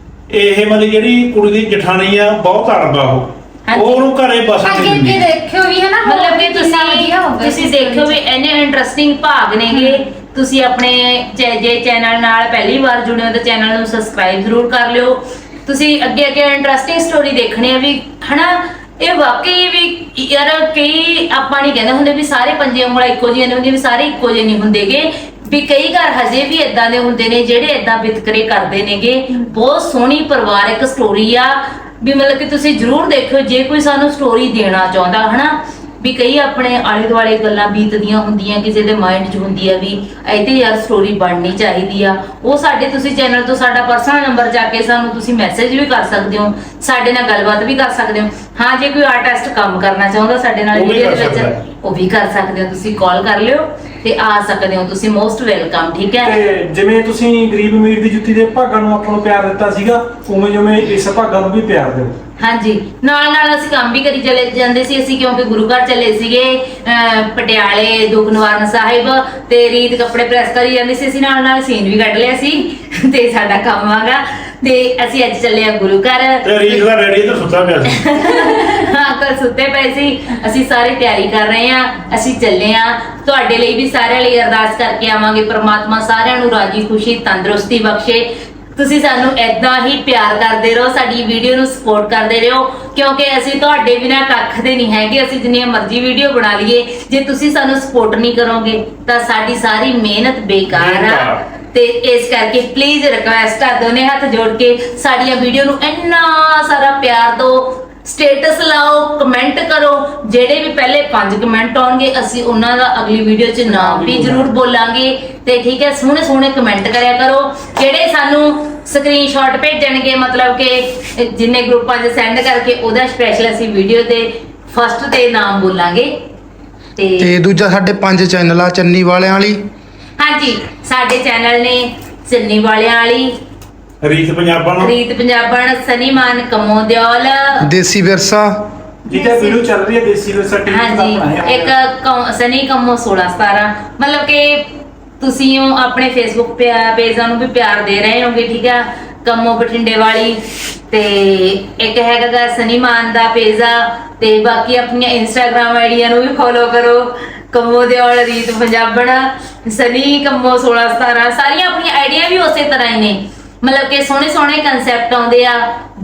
ਇਹ ਮਤਲਬ ਜਿਹੜੀ ਕੁੜੀ ਦੀ ਜਠਾਣੀ ਆ ਬਹੁਤ ਅੜਬਾ ਉਹ ਹਾਂਜੀ। ਉਹਨੂੰ ਘਰੇ ਬਸਣ ਅੱਗੇ ਨਹੀਂ ਅੱਗੇ ਦਿੰਦੀ। ਦੇਖਿਓ ਵੀ ਹੈ ਨਾ, ਮਤਲਬ ਕਿ ਕਿੰਨਾ ਵਧੀਆ ਹੋਊਗਾ ਤੁਸੀਂ ਤੁਸੀਂ ਇਸ ਦੇਖਿਓ ਵੀ story 'ਚ। ਇੰਨੇ ਇੰਟਰਸਟਿੰਗ ਭਾਗ ਨੇਗੇ। ਤੁਸੀਂ ਆਪਣੇ ਚੈ- ਜੇ ਚੈਨਲ ਨਾਲ ਪਹਿਲੀ ਵਾਰ ਜੁੜੇ ਹੋ ਤਾਂ ਚੈਨਲ ਨੂੰ ਸਬਸਕ੍ਰਾਈਬ ਜ਼ਰੂਰ ਕਰ ਲਿਓ। ਤੁਸੀਂ ਅੱਗੇ ਅੱਗੇ ਇੰਟਰਸਟਿੰਗ ਸਟੋਰੀ ਦੇਖਣੀ ਆ ਵੀ, ਹਨਾ। ਇਹ ਵਾਕਈ ਵੀ ਯਾਰ, ਕਈ ਆਪਾਂ ਨਹੀਂ ਕਹਿੰਦੇ ਹੁੰਦੇ ਵੀ ਸਾਰੇ ਪੰਜੇ ਉਂਗਲਾਂ ਇੱਕੋ ਜਿਹੀਆਂ ਨਹੀਂ ਹੁੰਦੀਆਂ, ਵੀ ਸਾਰੇ ਇੱਕੋ ਜਿਹੇ ਨਹੀਂ ਹੁੰਦੇਗੇ। ਵੀ ਕਈ ਘਰ ਹਜੇ ਵੀ ਇਦਾਂ ਦੇ ਹੁੰਦੇ ਨੇ ਜਿਹੜੇ ਇਦਾਂ ਵਿਤਕਰੇ ਕਰਦੇ ਨੇਗੇ। ਬਹੁਤ ਸੋਹਣੀ ਪਰਿਵਾਰਕ ਸਟੋਰੀ ਆ ਵੀ, ਮਤਲਬ ਕਿ ਤੁਸੀਂ ਜ਼ਰੂਰ ਦੇਖਿਓ ਜੇ ਕੋਈ ਸਾਨੂੰ ਸਟੋਰੀ ਦੇਣਾ ਚਾਹੁੰਦਾ, ਹਨਾ। ਵੀ ਕਈ ਆਪਣੇ ਆਲੇ ਦੁਆਲੇ ਗੱਲਾਂ ਬੀਤਦੀਆਂ ਹੁੰਦੀਆਂ, ਕਿਸੇ ਦੇ ਮਾਈਂਡ 'ਚ ਹੁੰਦੀ ਆ ਵੀ ਇਹ ਤੇ ਯਾਰ ਸਟੋਰੀ ਬਣਨੀ ਚਾਹੀਦੀ ਆ। ਉਹ ਸਾਡੇ ਤੁਸੀਂ ਚੈਨਲ ਤੋਂ ਸਾਡਾ ਪਰਸਨਲ ਨੰਬਰ ਜਾ ਕੇ ਸਾਨੂੰ ਤੁਸੀਂ ਮੈਸੇਜ ਵੀ ਕਰ ਸਕਦੇ ਹੋ, ਸਾਡੇ ਨਾਲ ਗੱਲਬਾਤ ਵੀ ਕਰ ਸਕਦੇ ਹੋ। ਹਾਂ, ਜੇ ਕੋਈ ਆਰਟਿਸਟ ਕੰਮ ਕਰਨਾ ਚਾਹੁੰਦਾ ਸਾਡੇ ਨਾਲ ਉਹ ਵੀ ਵੀਡੀਓ ਕਰ ਦੇ ਸਕਦਾ ਵਿੱਚ, ਹੈ। ਉਹ ਵੀ ਕਰ ਸਕਦੇ ਹੋ। ਤੁਸੀਂ ਕਾਲ ਕਰ ਲਿਓ ਤੇ ਆ ਸਕਦੇ ਹੋ, ਤੁਸੀਂ ਮੋਸਟ ਵੈਲਕਮ। ਠੀਕ ਹੈ। ਤੇ ਜਿਵੇਂ ਤੁਸੀਂ ਗਰੀਬ ਅਮੀਰ ਦੀ ਜੁੱਤੀ ਦੇ ਭਾਗਾਂ ਨੂੰ ਆਪਾਂ ਨੂੰ ਪਿਆਰ ਦਿੱਤਾ ਸੀਗਾ, ਉਵੇਂ ਜਿਵੇਂ ਇਸ ਭਾਗਾਂ ਨੂੰ ਵੀ ਪਿਆਰ ਦਿਓ। ਹਾਂਜੀ, ਨਾਲ ਨਾਲ ਅਸੀਂ ਕੰਮ ਵੀ ਕਰੀ ਚਲੇ ਜਾਂਦੇ ਸੀ ਅਸੀਂ, ਕਿਉਂਕਿ ਗੁਰੂ ਘਰ ਚੱਲੇ ਸੀਗੇ ਅਹ ਪਟਿਆਲੇ ਦੁੱਖ ਨਿਵਾਰਨ ਸਾਹਿਬ, ਤੇ ਰੀਤ ਕੱਪੜੇ ਪ੍ਰੈਸ ਕਰੀ ਜਾਂਦੀ ਸੀ, ਅਸੀਂ ਨਾਲ ਨਾਲ ਸੀਨ ਵੀ ਕੱਢ ਲਿਆ ਸੀ। ਤੇ ਸਾਡਾ ਕੰਮ ਆਗਾ, ਤੇ ਅਸੀਂ ਅੱਜ ਚੱਲੇ ਆ ਗੁਰੂ ਘਰ। ਤੇ ਰੀਤ ਦਾ ਰੈਡੀ ਤੇ ਸੁੱਤਾ ਪਿਆ ਸੀ। ਹਾਂ, ਕੱਲ ਸੁੱਤੇ ਪਏ ਸੀ। ਅਸੀਂ ਸਾਰੇ ਤਿਆਰੀ ਕਰ ਰਹੇ ਆ, ਅਸੀਂ ਚੱਲੇ ਆ। ਤੁਹਾਡੇ ਲਈ ਵੀ ਸਾਰਿਆਂ ਲਈ ਅਰਦਾਸ ਕਰਕੇ ਆਵਾਂਗੇ, ਪ੍ਰਮਾਤਮਾ ਸਾਰਿਆਂ ਨੂੰ ਰਾਜੀ ਖੁਸ਼ੀ ਤੰਦਰੁਸਤੀ ਬਖਸ਼ੇ। ਤੁਸੀਂ ਸਾਨੂੰ ਏਦਾਂ ਹੀ ਪਿਆਰ ਕਰਦੇ ਰਹੋ, ਸਾਡੀ ਵੀਡੀਓ ਨੂੰ ਸਪੋਰਟ ਕਰਦੇ ਰਹੋ, ਕਿਉਂਕਿ ਅਸੀਂ ਤੁਹਾਡੇ ਬਿਨਾਂ ਕੱਖ ਦੇ ਨਹੀਂ ਹੈਗੇ। ਅਸੀਂ ਜਿੰਨੀਆਂ ਮਰਜ਼ੀ ਵੀਡੀਓ ਬਣਾ ਲਈਏ, ਜੇ ਤੁਸੀਂ ਸਾਨੂੰ ਸਪੋਰਟ ਨਹੀਂ ਕਰੋਗੇ ਤਾਂ ਸਾਡੀ ਸਾਰੀ ਮਿਹਨਤ ਬੇਕਾਰ ਆ। ਤੇ ਇਸ ਕਰਕੇ ਪਲੀਜ਼ ਰਿਕਵੈਸਟ ਆ, ਦੋਨੇ ਹੱਥ ਜੋੜ ਕੇ ਸਾਡੀਆਂ ਵੀਡੀਓ ਨੂੰ ਇੰਨਾ ਸਾਰਾ ਪਿਆਰ ਦਿਓ। ਸਟੇਟਸ ਲਾਓ, ਕਮੈਂਟ ਕਰੋ। ਜਿਹੜੇ ਵੀ ਪਹਿਲੇ ਪੰਜ ਕਮੈਂਟ ਆਉਣਗੇ ਅਸੀਂ ਉਹਨਾਂ ਦਾ ਅਗਲੀ ਵੀਡੀਓ 'ਚ ਨਾਮ ਵੀ ਜ਼ਰੂਰ ਬੋਲਾਂਗੇ। ਤੇ ਠੀਕ ਹੈ, ਸੋਹਣੇ ਸੋਹਣੇ ਕਮੈਂਟ ਕਰਿਆ ਕਰੋ। ਜਿਹੜੇ ਸਾਨੂੰ ਸਕਰੀਨਸ਼ਾਟ ਭੇਜਣਗੇ, ਮਤਲਬ ਕਿ ਜਿੰਨੇ ਗਰੁੱਪਾਂ 'ਚ ਸੈਂਡ ਕਰਕੇ, ਉਹਦਾ ਸਪੈਸ਼ਲ ਅਸੀਂ ਵੀਡੀਓ ਦੇ ਫਸਟ ਤੇ ਨਾਮ ਬੋਲਾਂਗੇ। ਤੇ ਤੇ ਦੂਜਾ ਸਾਡੇ ਪੰਜ ਚੈਨਲ ਆ ਚੰਨੀ ਵਾਲਿਆਂ ਵਾਲੀ। ਹਾਂਜੀ, ਸਾਡੇ ਚੈਨਲ ਨੇ ਚੰਨੀ ਵਾਲਿਆਂ ਵਾਲੀ, ਰੀਤ ਪੰਜਾਬਣ, ਰੀਤ ਪੰਜਾਬਣ, ਸਨੀ ਮਾਨ ਕੰਮੋ ਦਿਓਲ, ਦੇਸੀ ਵਿਰਸਾ, ਜਿਹਦਾ ਵੀਡੀਓ ਚੱਲ ਰਹੀ ਹੈ ਦੇਸੀ ਵਿਰਸਾ ਟੀਵੀ ਤੇ ਹਾਂਜੀ, ਬਣਾਇਆ ਇੱਕ ਕੰ- ਸਨੀ ਕੰਮੋ ਸੋਲਾਂ ਸਤਾਰਾਂ। ਮਤਲਬ ਕਿ ਤੁਸੀਂ ਉਹ ਆਪਣੇ ਫੇਸਬੁੱਕ ਪੇਜਾਂ ਨੂੰ ਵੀ ਪਿਆਰ ਦੇ ਰਹੇ ਹੋਗੇ। ਠੀਕ ਆ, ਕੰਮੋ ਬਠਿੰਡੇ ਵਾਲੀ, ਤੇ ਇੱਕ ਹੈਗਾ ਗਾ ਸਨੀ ਮਾਨ ਦਾ ਪੇਜ ਆ, ਤੇ ਬਾਕੀ ਆਪਣੀਆਂ ਇੰਸਟਾਗ੍ਰਾਮ ਆਈਡੀਆਂ ਨੂੰ ਵੀ ਫੋਲੋ ਕਰੋ। ਕੰਮੋ ਦਿਓਲ, ਰੀਤ ਪੰਜਾਬਣ, ਸਨੀ ਕੰਮੋ ਸੋਲਾਂ ਸਤਾਰਾਂ, ਸਾਰੀਆਂ ਆਪਣੀਆਂ ਆਈਡੀਆਂ ਵੀ ਉਸੇ ਤਰ੍ਹਾਂ ਹੀ ਨੇ। ਮਤਲਬ ਕਿ ਸੋਹਣੇ ਸੋਹਣੇ ਕੰਸੈਪਟ ਆਉਂਦੇ ਆ,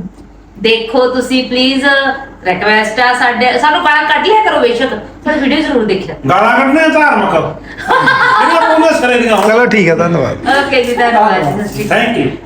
ਦੇਖੋ ਤੁਸੀਂ ਪਲੀਜ਼। ਰਿਕਵੈਸਟ ਆ, ਸਾਡੇ ਸਾਨੂੰ ਗਾਲਾਂ ਕੱਢ ਲਿਆ ਕਰੋ ਬੇਸ਼ੱਕ, ਪਰ ਵੀਡੀਓ ਜ਼ਰੂਰ ਦੇਖਿਆ। ਗਾਲਾਂ ਕੱਢਣੇ ਧਾਰਮਿਕ ਇਹਨਾਂ ਪੂਰੇ ਸਰੇ ਦੀਆਂ। ਚਲੋ ਠੀਕ ਹੈ, ਧੰਨਵਾਦ। ਓਕੇ ਜੀ, ਧੰਨਵਾਦ ਜੀ, ਸਤਿ ਸ਼੍ਰੀ ਅਕਾਲ। Thank you.